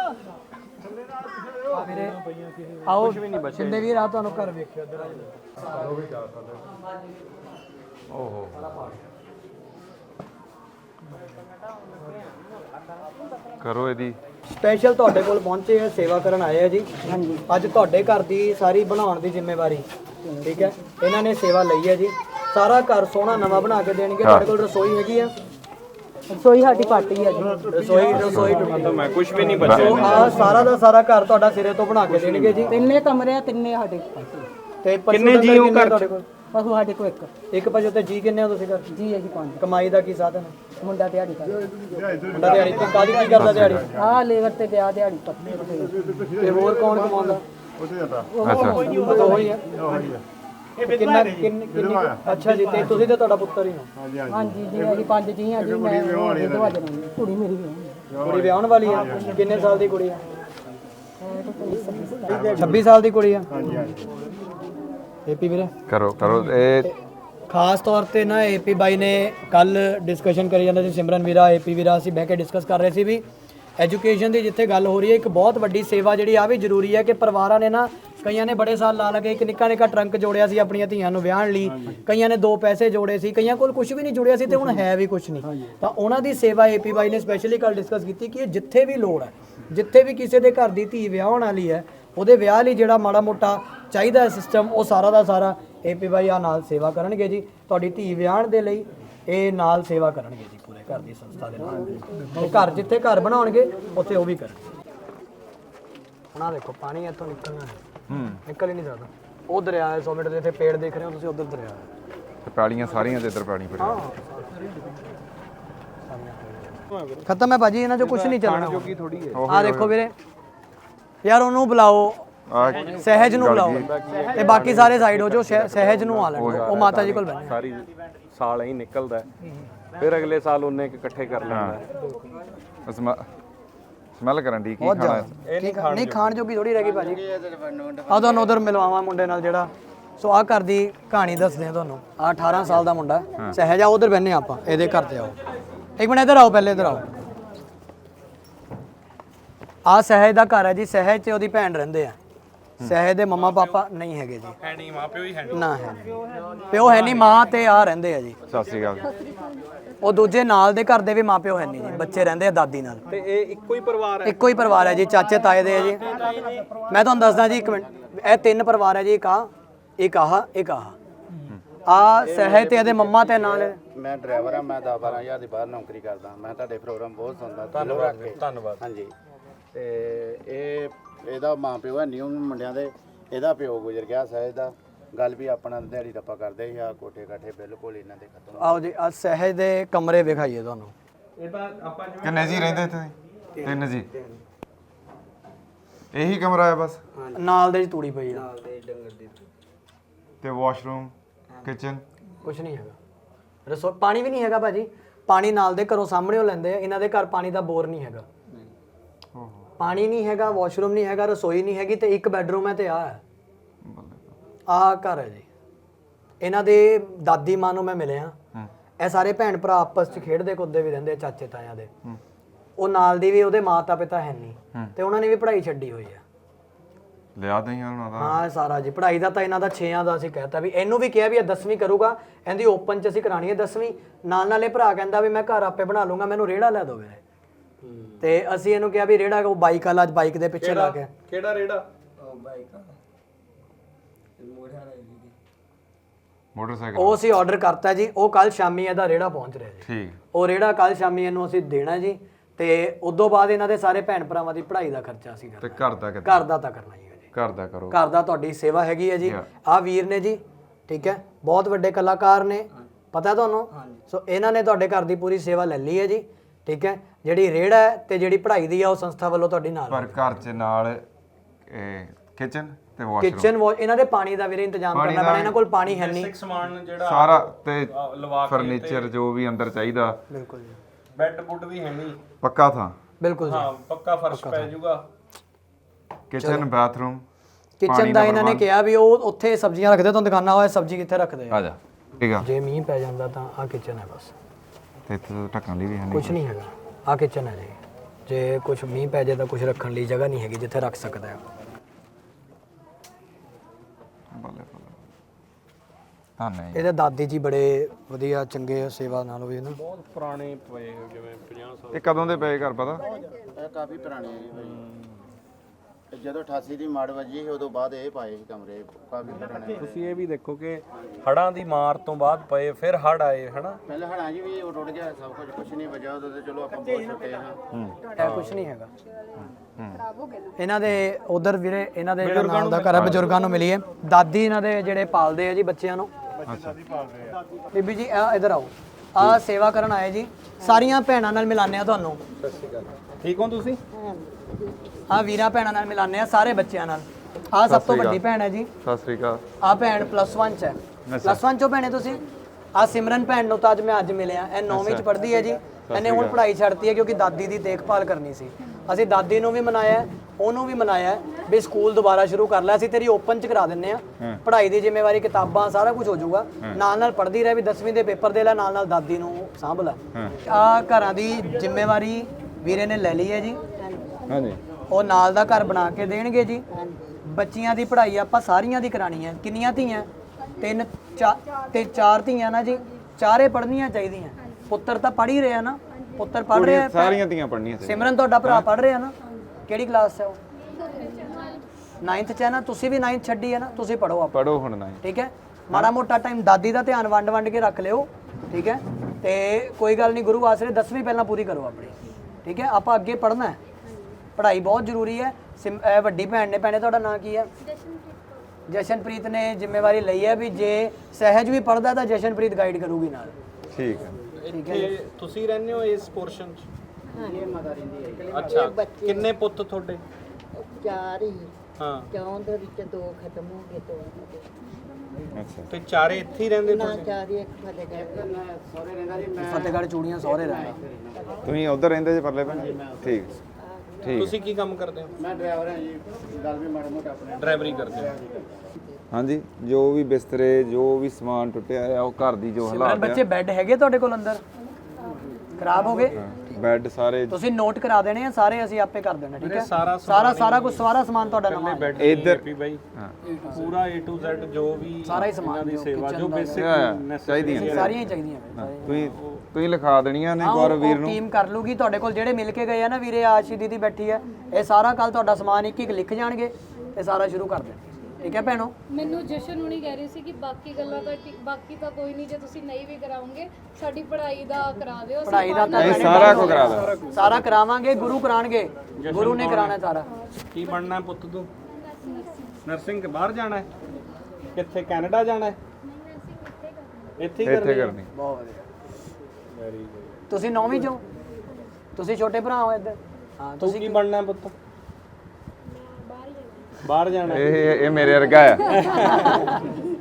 ਆ ਵੀਰੇ ਆਓ ਸ਼ਿੰਦੇ ਵੀਰ ਆ ਤੁਹਾਨੂੰ ਘਰ ਵੇਖਿਓ ਇੱਧਰ ਓਹੋ ਕਰੋ ਇਹਦੀ ਸਪੈਸ਼ਲ ਤੁਹਾਡੇ ਕੋਲ ਪਹੁੰਚੇ ਆ ਸੇਵਾ ਕਰਨ ਆਏ ਆ ਜੀ ਹਾਂਜੀ ਅੱਜ ਤੁਹਾਡੇ ਘਰ ਦੀ ਸਾਰੀ ਬਣਾਉਣ ਦੀ ਜ਼ਿੰਮੇਵਾਰੀ ਠੀਕ ਹੈ ਇਹਨਾਂ ਨੇ ਸੇਵਾ ਲਈ ਹੈ ਜੀ ਸਾਰਾ ਘਰ ਸੋਹਣਾ ਨਵਾਂ ਬਣਾ ਕੇ ਦੇਣਗੇ ਤੁਹਾਡੇ ਕੋਲ ਰਸੋਈ ਹੈਗੀ ਆ ਰਸੋਈ ਸਾਡੀ ਪਾਟੀ ਹੈ ਜੀ ਰਸੋਈ ਰਸੋਈ ਤਾਂ ਮੈਂ ਕੁਝ ਵੀ ਨਹੀਂ ਬਚਿਆ ਆ ਸਾਰਾ ਦਾ ਸਾਰਾ ਘਰ ਤੁਹਾਡਾ ਸਿਰੇ ਤੋਂ ਬਣਾ ਕੇ ਦੇਣਗੇ ਜੀ ਤਿੰਨੇ ਕਮਰੇ ਆ ਤਿੰਨੇ ਸਾਡੇ ਤੇ ਕਿੰਨੇ ਜੀ ਹੋ ਘਰ ਤੁਹਾਡੇ ਕੋਲ ਬਸ ਸਾਡੇ ਕੋਲ ਇੱਕ ਇੱਕ ਭਾਜੀ ਉੱਤੇ ਜੀ ਕਿੰਨੇ ਹੋ ਤੁਸੀਂ ਘਰ ਜੀ ਅਸੀਂ ਪੰਜ ਕਮਾਈ ਦਾ ਕੀ ਸਾਧਨ ਹੈ ਮੁੰਡਾ ਦਿਹਾੜੀ ਕਰਦਾ ਮੁੰਡਾ ਦਿਹਾੜੀ ਤੇ ਕਾਦੀ ਕੀ ਕਰਦਾ ਦਿਹਾੜੀ ਆ ਲੇਬਰ ਤੇ ਗਿਆ ਦਿਹਾੜੀ ਪੱਤੇ ਤੇ ਤੇ ਹੋਰ ਕੌਣ ਕਮਾਉਂਦਾ ਅੱਛਾ ਬਸ ਉਹੀ ਹੈ ਇਹ ਕਿੰਨਾ ਕਿੰਨੀ ਕਿੰਨੀ ਅੱਛਾ ਜੀ ਤੇ ਤੁਸੀਂ ਤੇ ਤੁਹਾਡਾ ਪੁੱਤਰ ਹੀ ਹੋ ਹਾਂਜੀ ਜੀ ਅਸੀਂ ਪੰਜ ਜੀ ਆ ਜੀ ਮੈਂ ਵਿਧਵਾ ਜਨਾਨੀ ਕੁੜੀ ਮੇਰੀ ਵੀ ਕੁੜੀ ਵਿਆਹਣ ਵਾਲੀ ਹੈ ਕਿੰਨੇ ਸਾਲ ਦੀ ਕੁੜੀ ਹੈ ਛੱਬੀ ਸਾਲ ਦੀ ਕੁੜੀ ਆ ਹਾਂਜੀ ਹਾਂਜੀ ਏਪੀ ਵੀਰੇ ਕਰੋ ਕਰੋ ਇਹ ਖਾਸ ਤੌਰ ਤੇ ਨਾ ਏਪੀ ਬਾਈ ਨੇ ਕੱਲ ਡਿਸਕਸ਼ਨ ਕਰੀ ਜਾਂਦਾ ਸੀ ਸਿਮਰਨ ਵੀਰਾ ਏਪੀ ਵੀਰਾ ਅਸੀਂ ਬਹਿ ਕੇ ਡਿਸਕਸ ਕਰ ਰਹੇ ਸੀ ਵੀ ਐਜੂਕੇਸ਼ਨ ਦੀ ਜਿੱਥੇ ਗੱਲ ਹੋ ਰਹੀ ਹੈ ਇੱਕ ਬਹੁਤ ਵੱਡੀ ਸੇਵਾ ਜਿਹੜੀ ਆ ਵੀ ਜ਼ਰੂਰੀ ਹੈ ਕਿ ਪਰਿਵਾਰਾਂ ਨੇ ਨਾ ਕਈਆਂ ਨੇ ਬੜੇ ਸਾਲ ਲਾ ਲਗੇ ਇੱਕ ਨਿੱਕਾ ਨਿੱਕਾ ਟਰੰਕ ਜੋੜਿਆ ਸੀ ਆਪਣੀਆਂ ਧੀਆਂ ਨੂੰ ਵਿਆਹਣ ਲਈ ਕਈਆਂ ਨੇ ਦੋ ਪੈਸੇ ਜੋੜੇ ਸੀ ਕਈਆਂ ਕੋਲ ਕੁਝ ਵੀ ਨਹੀਂ ਜੁੜਿਆ ਸੀ ਤੇ ਹੁਣ ਹੈ ਵੀ ਕੁਝ ਨਹੀਂ ਤਾਂ ਉਹਨਾਂ ਦੀ ਸੇਵਾ ਏਪੀ ਬਾਈ ਨੇ ਸਪੈਸ਼ਲੀ ਕੱਲ ਡਿਸਕਸ ਕੀਤੀ ਕਿ ਜਿੱਥੇ ਵੀ ਲੋੜ ਹੈ ਜਿੱਥੇ ਵੀ ਕਿਸੇ ਦੇ ਘਰ ਦੀ ਧੀ ਵਿਆਹਣ ਵਾਲੀ ਹੈ ਉਹਦੇ ਵਿਆਹ ਲਈ ਜਿਹੜਾ ਮਾੜਾ ਮੋਟਾ ਚਾਹੀਦਾ ਸਿਸਟਮ ਉਹ ਸਾਰਾ ਦਾ ਸਾਰਾ ਏਪੀ ਬਾਈ ਆ ਨਾਲ ਸੇਵਾ ਕਰਨਗੇ ਜੀ ਤੁਹਾਡੀ ਧੀ ਵਿਆਹਣ ਦੇ ਲਈ ਇਹ ਨਾਲ ਸੇਵਾ ਕਰਨਗੇ ਜੀ ਪੂਰੇ ਘਰ ਦੀ ਸੰਸਥਾ ਦੇ ਨਾਲ ਤੇ ਘਰ ਜਿੱਥੇ ਘਰ ਬਣਾਉਣਗੇ ਉੱਥੇ ਉਹ ਵੀ ਕਰਨਗੇ ਹੁਣ ਆਹ ਦੇਖੋ ਪਾਣੀ ਇੱਥੋਂ ਨਿਕਲਣਾ ਹੈ ਹੂੰ ਨਿਕਲ ਹੀ ਨਹੀਂ ਸਕਦਾ ਉਹ ਦਰਿਆ ਹੈ ਸੌ ਮੀਟਰ ਦੇ ਇੱਥੇ ਪੇੜ ਦੇਖ ਰਹੇ ਹੋ ਤੁਸੀਂ ਉਧਰ ਦਰਿਆ ਹੈ ਤੇ ਪੈਲੀਆਂ ਸਾਰੀਆਂ ਤੇ ਇੱਧਰ ਪਾਣੀ ਭਰਿਆ ਖਤਮ ਹੈ ਭਾਜੀ ਇਹਨਾਂ ਚੋਂ ਕੁਝ ਨਹੀਂ ਚੱਲਣਾ ਜੋਗੀ ਥੋੜੀ ਹੈ ਆ ਦੇਖੋ ਵੀਰੇ ਯਾਰ ਉਹਨੂੰ ਬੁਲਾਓ ਆ ਸਹਿਜ ਨੂੰ ਬੁਲਾਓ ਤੇ ਬਾਕੀ ਸਾਰੇ ਸਾਈਡ ਹੋ ਜੋ ਸਹਿਜ ਨੂੰ ਆ ਲੈਣ ਉਹ ਮਾਤਾ ਜੀ ਕੋਲ ਬੈਠੇ ਸਾਰੀ ਸਾਲ ਐਂ ਨਿਕਲਦਾ ਹੈ। ਫਿਰ ਅਗਲੇ ਸਾਲ ਉਹਨੇ ਇੱਕ ਇਕੱਠੇ ਕਰ ਲੈਂਦਾ ਸਮੈਲ ਕਰਨ ਦੀ ਕੀ ਖਾਣਾ ਇਹ ਨਹੀਂ ਖਾਣ ਨਹੀਂ ਖਾਣ ਜੋਗੀ ਥੋੜੀ ਰਹਿ ਗਈ ਭਾਜੀ ਆ ਤੁਹਾਨੂੰ ਉਧਰ ਮਿਲਵਾਵਾਂ ਮੁੰਡੇ ਨਾਲ ਜਿਹੜਾ ਸੋ ਆ ਘਰ ਦੀ ਕਹਾਣੀ ਦੱਸਦੇ ਆ ਤੁਹਾਨੂੰ ਆ ਅਠਾਰਾਂ ਸਾਲ ਦਾ ਮੁੰਡਾ ਸਹਿਜ ਆ ਉਧਰ ਬੈਠਨੇ ਆਪਾਂ ਇਹਦੇ ਘਰ ਤੇ ਆਓ ਇੱਕ ਮਿੰਟ ਇੱਧਰ ਆਓ ਪਹਿਲੇ ਇੱਧਰ ਆਓ ਆ ਸਹਿਜ ਦਾ ਘਰ ਹੈ ਜੀ ਸਹਿਜ ਤੇ ਉਹਦੀ ਭੈਣ ਰਹਿੰਦੇ ਆ ਸਹਿਜ ਦੇ ਮੰਮਾ ਪਾਪਾ ਨਹੀਂ ਹੈਗੇ ਜੀ ਹੈ ਨਹੀਂ ਮਾਂ ਪਿਓ ਹੀ ਹੈ ਨਾ ਹੈ ਪਿਓ ਹੈ ਨਹੀਂ ਮਾਂ ਤੇ ਆ ਰਹਿੰਦੇ ਆ ਜੀ ਸਤਿ ਸ਼੍ਰੀ ਅਕਾਲ ਉਹ ਦੂਜੇ ਨਾਲ ਦੇ ਘਰ ਦੇ ਵੀ ਮਾਂ ਪਿਓ ਹੈ ਨਹੀਂ ਜੀ ਬੱਚੇ ਰਹਿੰਦੇ ਆ ਦਾਦੀ ਨਾਲ ਤੇ ਇਹ ਇੱਕੋ ਹੀ ਪਰਿਵਾਰ ਹੈ ਇੱਕੋ ਹੀ ਪਰਿਵਾਰ ਹੈ ਜੀ ਚਾਚੇ ਤਾਏ ਦੇ ਆ ਜੀ ਮੈਂ ਤੁਹਾਨੂੰ ਦੱਸਦਾ ਜੀ ਇੱਕ ਮਿੰਟ ਇਹ ਤਿੰਨ ਪਰਿਵਾਰ ਹੈ ਜੀ ਇੱਕ ਆ ਇੱਕ ਆਹ ਇੱਕ ਆਹ ਆ ਸਹਿਜ ਤੇ ਇਹਦੇ ਮੰਮਾ ਤੇ ਨਾਲ ਮੈਂ ਡਰਾਈਵਰ ਆ ਮੈਂ ਦਸ ਬਾਰਾਂ ਹਜ਼ਾਰ ਦੀ ਬਾਹਰ ਨੌਕਰੀ ਕਰਦਾ ਮੈਂ ਤੁਹਾਡੇ ਪ੍ਰੋਗਰਾਮ ਬਹੁਤ ਸੁਣਦਾ ਧੰਨਵਾਦ ਧੰਨਵਾਦ ਹਾਂਜੀ ਤੇ ਇਹ ਇਹਦਾ ਮਾਂ ਪਿਓ ਹੈ ਨਹੀਂ ਉਹ ਮੁੰਡਿਆਂ ਦੇ ਇਹਦਾ ਪਿਓ ਗੁਜ਼ਰ ਗਿਆ ਸਹਿਜ ਦਾ ਗੱਲ ਵੀ ਆਪਣਾ ਦਿਹਾੜੀ ਰੱਪਾ ਕਰਦੇ ਸੀ ਆ ਕੋਠੇ ਕਾਠੇ ਬਿਲਕੁਲ ਇਹਨਾਂ ਦੇ ਖਤਮ ਆਓ ਜੀ ਆ ਸਹਿਜ ਦੇ ਕਮਰੇ ਵਿਖਾਈਏ ਤੁਹਾਨੂੰ ਇਹ ਤਾਂ ਆਪਾਂ ਜਿਵੇਂ ਕਿੰਨੇ ਜੀ ਰਹਿੰਦੇ ਇੱਥੇ ਤਿੰਨ ਜੀ ਇਹੀ ਕਮਰਾ ਹੈ ਬਸ ਨਾਲ ਦੇ ਜੀ ਤੂੜੀ ਪਈ ਆ ਤੇ ਵਾਸ਼ਰੂਮ ਕਿਚਨ ਕੁਝ ਨਹੀਂ ਹੈਗਾ ਰਸੋ ਪਾਣੀ ਵੀ ਨਹੀਂ ਹੈਗਾ ਭਾਜੀ ਪਾਣੀ ਨਾਲ ਦੇ ਘਰੋਂ ਸਾਹਮਣੇ ਉਹ ਲੈਂਦੇ ਆ ਇਹਨਾਂ ਦੇ ਘਰ ਪਾਣੀ ਦਾ ਬੋਰ ਨਹੀਂ ਹੈਗਾ ਪਾਣੀ ਨਹੀਂ ਹੈਗਾ ਵਾਸ਼ਰੂਮ ਨਹੀਂ ਹੈਗਾ ਰਸੋਈ ਨਹੀਂ ਹੈਗੀ ਤੇ ਇੱਕ ਬੈੱਡਰੂਮ ਹੈ ਤੇ ਆ ਹੈ ਆ ਘਰ ਹੈ ਜੀ ਇਹਨਾਂ ਦੇ ਦਾਦੀ ਮਾਂ ਨੂੰ ਮੈਂ ਮਿਲਿਆ ਇਹ ਸਾਰੇ ਭੈਣ ਭਰਾ ਆਪਸ ਚ ਖੇਡਦੇ ਕੁੱਦਦੇ ਵੀ ਰਹਿੰਦੇ ਚਾਚੇ ਤਾਇਆਂ ਦੇ ਉਹ ਨਾਲ ਦੀ ਵੀ ਉਹਦੇ ਮਾਤਾ ਪਿਤਾ ਹੈ ਨਹੀਂ ਤੇ ਉਹਨਾਂ ਨੇ ਵੀ ਪੜ੍ਹਾਈ ਛੱਡੀ ਹੋਈ ਆ ਲਿਆ ਦਈ ਉਹਨਾਂ ਦਾ ਹਾਂ ਸਾਰਾ ਜੀ ਪੜ੍ਹਾਈ ਦਾ ਤਾਂ ਇਹਨਾਂ ਦਾ ਛੇਆਂ ਦਾ ਅਸੀਂ ਕਹਿਤਾ ਵੀ ਇਹਨੂੰ ਵੀ ਕਿਹਾ ਵੀ ਇਹ ਦਸਵੀਂ ਕਰੂਗਾ ਇਹਦੀ ਓਪਨ ਚ ਅਸੀਂ ਕਰਾਣੀ ਹੈ ਦਸਵੀਂ ਨਾਲ ਨਾਲੇ ਭਰਾ ਕਹਿੰਦਾ ਵੀ ਮੈਂ ਘਰ ਆਪੇ ਬਣਾ ਲੂੰਗਾ ਮੈਨੂੰ ਰੇੜਾ ਲੈ ਦੋ ਵੀਰੇ ਤੇ ਅਸੀਂ ਇਹਨੂੰ ਕਿਹਾ ਵੀ ਰੇੜਾ ਉਹ ਬਾਈਕ ਵਾਲਾ ਬਾਈਕ ਦੇ ਪਿੱਛੇ ਲਾ ਕੇ ਕਿਹੜਾ ਰੇੜਾ ਮੋਟਰਸਾਈਕਲ ਉਹ ਅਸੀਂ ਆਰਡਰ ਕਰਤਾ ਜੀ ਉਹ ਕੱਲ ਸ਼ਾਮੀ ਇਹਦਾ ਰੇੜਾ ਪਹੁੰਚ ਰਿਹਾ ਜੀ ਠੀਕ ਉਹ ਰੇੜਾ ਕੱਲ ਸ਼ਾਮੀ ਇਹਨੂੰ ਅਸੀਂ ਦੇਣਾ ਜੀ ਤੇ ਉਦੋਂ ਬਾਅਦ ਇਹਨਾਂ ਦੇ ਸਾਰੇ ਭੈਣ ਭਰਾਵਾਂ ਦੀ ਪੜ੍ਹਾਈ ਦਾ ਖਰਚਾ ਅਸੀਂ ਤੇ ਕਰਨਾ ਘਰ ਦਾ ਕਿੱਦਾਂ ਘਰ ਦਾ ਤਾਂ ਕਰਨਾ ਹੀ ਹੈ ਜੀ ਘਰ ਦਾ ਕਰੋ ਘਰ ਦਾ ਤੁਹਾਡੀ ਸੇਵਾ ਹੈਗੀ ਹੈ ਜੀ ਆਹ ਵੀਰ ਨੇ ਜੀ ਠੀਕ ਹੈ ਬਹੁਤ ਵੱਡੇ ਕਲਾਕਾਰ ਨੇ ਪਤਾ ਤੁਹਾਨੂੰ ਸੋ ਇਹਨਾਂ ਨੇ ਤੁਹਾਡੇ ਘਰ ਦੀ ਪੂਰੀ ਸੇਵਾ ਲੈ ਲਈ ਹੈ ਜੀ ਠੀਕ ਹੈ ਜਿਹੜੀ ਰੇੜਾ ਹੈ ਤੇ ਜਿਹੜੀ ਪੜ੍ਹਾਈ ਦੀ ਆ ਉਹ ਸੰਸਥਾ ਵੱਲੋਂ ਤੁਹਾਡੀ ਨਾਲ ਪਰ ਘਰ ਚ ਨਾਲ ਕਿਚਨ ਤੇ ਵਾਸ਼ਰੂਮ ਕਿਚਨ ਇਹਨਾਂ ਦੇ ਪਾਣੀ ਦਾ ਵੀਰੇ ਇੰਤਜ਼ਾਮ ਕਰਨਾ ਪੈਣਾ ਇਹਨਾਂ ਕੋਲ ਪਾਣੀ ਹੈ ਨਹੀਂ ਸਮਾਨ ਜਿਹੜਾ ਸਾਰਾ ਤੇ ਲਵਾ ਫਰਨੀਚਰ ਜੋ ਵੀ ਅੰਦਰ ਚਾਹੀਦਾ ਬਿਲਕੁਲ ਜੀ ਬੈੱਡ ਬੁੱਡ ਵੀ ਹੈ ਨਹੀਂ ਪੱਕਾ ਥਾਂ ਬਿਲਕੁਲ ਜੀ ਹਾਂ ਪੱਕਾ ਫਰਸ਼ ਪੈ ਜਾਊਗਾ ਕਿਚਨ ਬਾਥਰੂਮ ਕਿਚਨ ਦਾ ਇਹਨਾਂ ਨੇ ਕਿਹਾ ਵੀ ਉਹ ਉੱਥੇ ਸਬਜ਼ੀਆਂ ਰੱਖਦੇ ਤੁਹਾਨੂੰ ਦਿਖਾਣਾ ਹੋਇਆ ਸਬਜ਼ੀ ਕਿੱਥੇ ਰੱਖਦੇ ਆ ਆ ਜਾ ਠੀਕ ਆ ਜੇ ਮੀਂਹ ਪੈ ਜਾਂਦਾ ਤਾਂ ਆ ਕਿਚਨ ਹੈ ਬਸ ਤੇ ਇੱਥੇ ਢੱਕਣ ਲਈ ਵੀ ਹੈ ਨਹੀਂ ਕੁਝ ਨਹੀਂ ਹੈਗਾ ਆ ਕਿਚਨ ਹੈ ਜੀ ਜੇ ਕੁਝ ਮੀਂਹ ਪੈ ਜਾਏ ਤਾਂ ਕੁਝ ਰੱਖਣ ਲਈ ਜਗ੍ਹਾ ਨਹੀਂ ਹੈਗੀ ਜਿੱਥੇ ਰੱਖ ਸਕਦਾ ਹੈ ਬੱਲੇ ਬੱਲੇ ਤਾਂ ਨਹੀਂ ਇਹਦੇ ਦਾਦੀ ਜੀ ਬੜੇ ਵਧੀਆ ਚੰਗੇ ਸੇਵਾ ਨਾਲ ਹੋਈ ਨਾ ਬਹੁਤ ਪੁਰਾਣੇ ਪਏ ਜਿਵੇਂ ਪੰਜਾਹ ਸਾਲ ਇਹ ਕਦੋਂ ਦੇ ਪਏ ਘਰ ਪਤਾ ਇਹ ਕਾਫੀ ਪੁਰਾਣੇ ਆ ਜੀ ਭਾਈ ਤੇ ਜਦੋਂ ਅਠਾਸੀ ਦੀ ਮਾੜ ਵੱਜੀ ਸੀ ਉਦੋਂ ਬਾਅਦ ਇਹ ਪਾਏ ਸੀ ਕਮਰੇ ਕਾਫੀ ਪੁਰਾਣੇ ਤੁਸੀਂ ਇਹ ਵੀ ਦੇਖੋ ਕਿ ਹੜਾਂ ਦੀ ਮਾਰ ਤੋਂ ਬਾਅਦ ਪਏ ਫਿਰ ਹੜ ਆਏ ਹਨਾ ਪਹਿਲੇ ਹੜਾਂ ਜੀ ਵੀ ਉਹ ਰੁੜ ਗਿਆ ਸਭ ਕੁਝ ਕੁਝ ਨਹੀਂ ਬਚਿਆ ਉਦੋਂ ਤੇ ਚਲੋ ਆਪਾਂ ਬਹੁਤ ਛੋਟੇ ਹਾਂ ਇਹ ਕੁਝ ਨਹੀਂ ਹੈਗਾ ਇਹਨਾਂ ਦੇ ਉਧਰ ਵੀਰੇ ਇਹਨਾਂ ਦੇ ਜਿਹੜਾ ਨਾਲ ਦਾ ਘਰ ਹੈ ਬਜ਼ੁਰਗਾਂ ਨੂੰ ਮਿਲੀ ਹੈ ਦਾਦੀ ਇਹਨਾਂ ਦੇ ਜਿਹੜੇ ਪਾਲਦੇ ਆ ਜੀ ਬੱਚਿਆਂ ਨੂੰ ਬੀਬੀ ਜੀ ਆ ਇਧਰ ਆਓ ਆ ਸੇਵਾ ਕਰਨ ਆਏ ਜੀ ਸਾਰੀਆਂ ਭੈਣਾਂ ਨਾਲ ਮਿਲਾਨੇ ਆ ਤੁਹਾਨੂੰ ਸਤਿ ਸ਼੍ਰੀ ਅਕਾਲ ਠੀਕ ਹੋ ਤੁਸੀਂ ਆ ਵੀਰਾਂ ਭੈਣਾਂ ਨਾਲ ਮਿਲਾਨੇ ਆ ਸਾਰੇ ਬੱਚਿਆਂ ਨਾਲ ਆ ਸਭ ਤੋਂ ਵੱਡੀ ਭੈਣ ਹੈ ਜੀ ਸਤਿ ਸ੍ਰੀ ਅਕਾਲ ਆ ਭੈਣ ਪਲੱਸ ਵਨ ਚ ਹੈ ਪਲੱਸ ਵਨ ਚੋਂ ਭੈਣੇ ਤੁਸੀਂ ਆ ਸਿਮਰਨ ਭੈਣ ਨੂੰ ਤਾਂ ਅੱਜ ਮੈਂ ਅੱਜ ਮਿਲਿਆ ਇਹ ਨੌਵੀਂ ਚ ਪੜ੍ਹਦੀ ਹੈ ਜੀ ਇਹਨੇ ਹੁਣ ਪੜ੍ਹਾਈ ਛੱਡਤੀ ਹੈ ਕਿਉਂਕਿ ਦਾਦੀ ਦੀ ਦੇਖਭਾਲ ਕਰਨੀ ਸੀ ਅਸੀਂ ਦਾਦੀ ਨੂੰ ਵੀ ਮਨਾਇਆ ਉਹਨੂੰ ਵੀ ਮਨਾਇਆ ਹੈ ਵੀ ਸਕੂਲ ਦੁਬਾਰਾ ਸ਼ੁਰੂ ਕਰ ਲੈ, ਅਸੀਂ ਤੇਰੀ ਓਪਨ ਚ ਕਰਾ ਦਿੰਨੇ ਆ, ਪੜ੍ਹਾਈ ਦੀ ਜ਼ਿੰਮੇਵਾਰੀ ਕਿਤਾਬਾਂ ਸਾਰਾ ਕੁਝ ਹੋ ਜਾਊਗਾ, ਨਾਲ ਨਾਲ ਪੜ੍ਹਦੀ ਰਹਿ ਵੀ ਦਸਵੀਂ ਦੇ ਪੇਪਰ ਦੇ ਲੈ, ਨਾਲ ਨਾਲ ਦਾਦੀ ਨੂੰ ਸਾਂਭ ਲੈ। ਆ ਘਰਾਂ ਦੀ ਜ਼ਿੰਮੇਵਾਰੀ ਵੀਰੇ ਨੇ ਲੈ ਲਈ ਹੈ ਜੀ, ਹਾਂਜੀ ਉਹ ਨਾਲ ਦਾ ਘਰ ਬਣਾ ਕੇ ਦੇਣਗੇ ਜੀ। ਬੱਚੀਆਂ ਦੀ ਪੜ੍ਹਾਈ ਆਪਾਂ ਸਾਰੀਆਂ ਦੀ ਕਰਾਣੀ ਹੈ। ਕਿੰਨੀਆਂ ਧੀਆਂ? ਤਿੰਨ ਚਾ ਤੇ ਚਾਰ ਧੀਆਂ ਨਾ ਜੀ, ਚਾਰੇ ਪੜ੍ਹਨੀਆਂ ਚਾਹੀਦੀਆਂ। ਪੁੱਤਰ ਤਾਂ ਪੜ੍ਹ ਹੀ ਰਿਹਾ ਨਾ, ਪੁੱਤਰ ਪੜ੍ਹ ਰਿਹਾ, ਸਾਰੀਆਂ ਧੀਆਂ ਪੜ੍ਹਨੀਆਂ ਸੀ। ਸਿਮਰਨ ਤੁਹਾਡਾ ਭਰਾ ਪੜ੍ਹ ਰਿਹਾ ਨਾ, ਕਿਹੜੀ ਕਲਾਸ 'ਚ ਹੈ ਉਹ? ਨਾਈਨਥ 'ਚ ਹੈ ਨਾ, ਤੁਸੀਂ ਵੀ ਨਾਈਨਥ ਛੱਡੀ ਹੈ ਨਾ, ਤੁਸੀਂ ਪੜ੍ਹੋ ਆਪ, ਪੜੋ ਹੁਣ ਨਾ ਠੀਕ ਹੈ। ਮਾੜਾ ਮੋਟਾ ਟਾਈਮ ਦਾਦੀ ਦਾ ਧਿਆਨ ਵੰਡ ਵੰਡ ਕੇ ਰੱਖ ਲਿਓ, ਠੀਕ ਹੈ। ਤੇ ਕੋਈ ਗੱਲ ਨਹੀਂ, ਗੁਰੂ ਆਸਰੇ ਦਸਵੀਂ ਪਹਿਲਾਂ ਪੂਰੀ ਕਰੋ ਆਪਣੀ, ਠੀਕ ਹੈ। ਆਪਾਂ ਅੱਗੇ ਪੜ੍ਹਨਾ ਹੈ, ਪੜ੍ਹਾਈ ਬਹੁਤ ਜ਼ਰੂਰੀ ਹੈ। ਸਿਮ ਇਹ ਵੱਡੀ ਭੈਣ ਨੇ, ਭੈਣੇ ਤੁਹਾਡਾ ਨਾਂ ਕੀ ਹੈ? ਜਸ਼ਨਪ੍ਰੀਤ ਨੇ ਜ਼ਿੰਮੇਵਾਰੀ ਲਈ ਹੈ ਵੀ ਜੇ ਸਹਿਜ ਵੀ ਪੜ੍ਹਦਾ ਤਾਂ ਜਸ਼ਨਪ੍ਰੀਤ ਗਾਈਡ ਕਰੂਗੀ ਨਾਲ। ਠੀਕ ਹੈ। ਇੱਥੇ ਤੁਸੀਂ ਰਹਿੰਦੇ ਹੋ ਇਸ ਪੋਰਸ਼ਨ 'ਚ? ਅੱਛਾ, ਕਿੰਨੇ ਪੁੱਤ ਤੁਹਾਡੇ? ਚਾਰ ਹੀ ਹਾਂ, ਚੌਂ ਦੇ ਵਿੱਚ ਦੋ ਖਤਮ ਹੋ ਗਏ, ਦੋ ਅੱਛਾ ਤੇ ਚਾਰੇ ਇੱਥੇ ਹੀ ਰਹਿੰਦੇ ਨਾ ਤੁਸੀਂ? ਚਾਰ ਹੀ ਇੱਕ ਫਤਿਹਗੜ੍ਹ ਫਤਿਹਗੜ੍ਹ ਚੂੜੀਆਂ ਸਹੁਰੇ ਰਹਿਣਾ। ਤੁਸੀਂ ਉਧਰ ਰਹਿੰਦੇ ਜੇ ਪਰਲੇ ਪਾਸੇ? ਠੀਕ ਠੀਕ ਤੁਸੀਂ ਕੀ ਕੰਮ ਕਰਦੇ ਹੋ? ਮੈਂ ਡਰਾਈਵਰ ਹਾਂ ਜੀ, ਗੱਲ ਵੀ ਮਾੜਾ ਮੋਟਾ ਆਪਣੇ ਡਰਾਈਵਰੀ ਕਰਦੇ ਹੋ? ਹਾਂਜੀ, ਜੋ ਵੀ ਬਿਸਤਰੇ, ਜੋ ਵੀ ਸਮਾਨ ਟੁੱਟਿਆ ਆ, ਉਹ ਘਰ ਦੀ ਜੋ ਹਾਲਾਤ ਬੱਚੇ ਬੈੱਡ ਹੈਗੇ ਤੁਹਾਡੇ ਕੋਲ ਅੰਦਰ ਖਰਾਬ ਹੋ ਗਏ? ਆ, ਬੈੱਡ ਸਾਰੇ ਤੁਸੀਂ ਨੋਟ ਕਰਾ ਦੇਣੇ ਆ ਸਾਰੇ, ਅਸੀਂ ਆਪੇ ਕਰ ਦੇਣਾ, ਠੀਕ ਹੈ। ਸਾਰਾ ਸਾਰਾ ਸਾਰਾ ਕੁਝ, ਸਾਰਾ ਸਮਾਨ ਤੁਹਾਡਾ ਨਵਾਂ ਹੈ। ਬੈੱਡ ਇੱਧਰ ਵੀ ਬਾਈ ਹਾਂ ਪੂਰਾ A to Z ਜੋ ਵੀ ਸਾਰਾ ਹੀ ਸਮਾਨ ਇਹਨਾਂ ਦੀ ਜੋ ਸੇਵਾ ਜੋ kitchen ਦਾ ਬੇਸਿਕ ਚਾਹੀਦੀਆਂ ਨੇ। ਸਾਰੀਆਂ ਹੀ ਚਾਹੀਦੀਆਂ ਨੇ। ਤੁਸੀਂ ਤੁਸੀਂ ਲਿਖਾ ਦੇਣੀਆਂ ਨੇ ਹਾਂ, ਗੌਰਵ ਵੀਰ ਉਹ ਨੂੰ। ਟੀਮ ਕਰ ਲੂਗੀ ਤੁਹਾਡੇ ਕੋਲ, ਜਿਹੜੇ ਮਿਲ ਕੇ ਗਏ ਆ ਨਾ ਵੀਰੇ, ਆਸ਼ੀ ਦੀਦੀ ਬੈਠੀ ਹੈ, ਇਹ ਸਾਰਾ ਕੱਲ ਤੁਹਾਡਾ ਸਮਾਨ ਇੱਕ ਇੱਕ ਲਿਖ ਜਾਣਗੇ ਤੇ ਸਾਰਾ ਸ਼ੁਰੂ ਕਰ ਦੇਣਗੇ, ਠੀਕ ਹੈ ਭੈਣੋ। ਮੈਨੂੰ ਜਸ਼ਨ ਹੁਣੀ ਕਹਿ ਰਹੀ ਸੀ ਕਿ ਬਾਕੀ ਗੱਲਾਂ ਤਾਂ ਠੀਕ- ਬਾਕੀ ਤਾਂ ਕੋਈ ਨਹੀਂ, ਜੇ ਤੁਸੀਂ ਨਹੀਂ ਵੀ ਕਰਾਉਂਗੇ ਸਾਡੀ ਪੜ੍ਹਾਈ ਦਾ ਕਰਾ ਦਿਓ, ਅਸੀਂ ਪੜ੍ਹਾਈ ਦਾ ਤਾਂ ਅਸੀਂ ਭੈਣੇ ਸਾਰਾ ਡਨ ਕੁਝ ਹੋ ਗਿਆ। ਕਰਾ ਦਾਂ। ਸਾਰਾ ਕਰਾਵਾਂਗੇ, ਗੁਰੂ ਕਰਾਣਗੇ, ਗੁਰੂ ਨੇ ਕਰਾਣਾ ਸਾਰਾ। ਕੀ ਬਣਨਾ ਹੈ ਪੁੱਤ ਤੂੰ? ਨਰਸਿੰਗ ਕੇ ਬਾਹਰ ਜਾਣਾ ਹੈ? ਕਿੱਥੇ, ਕੈਨੇਡਾ ਜਾਣਾ ਹੈ? ਇੱਥੇ ਹੀ ਇੱਥੇ ਕਰਨੀ ਹੈ? ਕਰਨੀ। ਬਹੁਤ ਵਧੀਆ। ਤੁਸੀਂ ਨੌਵੀਂ ਚੋਂ, ਤੁਸੀਂ ਛੋਟੇ ਭਰਾ ਹੋ ਇੱਧਰ। ਹਾਂ, ਤੂੰ ਤੁਸੀਂ ਕੀ ਬਣਨਾ ਹੈ ਪੁੱਤ? ਬਾਹਰ ਜਾਣਾ ਹੈ? ਇਹ ਇਹ ਮੇਰੇ ਵਰਗਾ ਆ।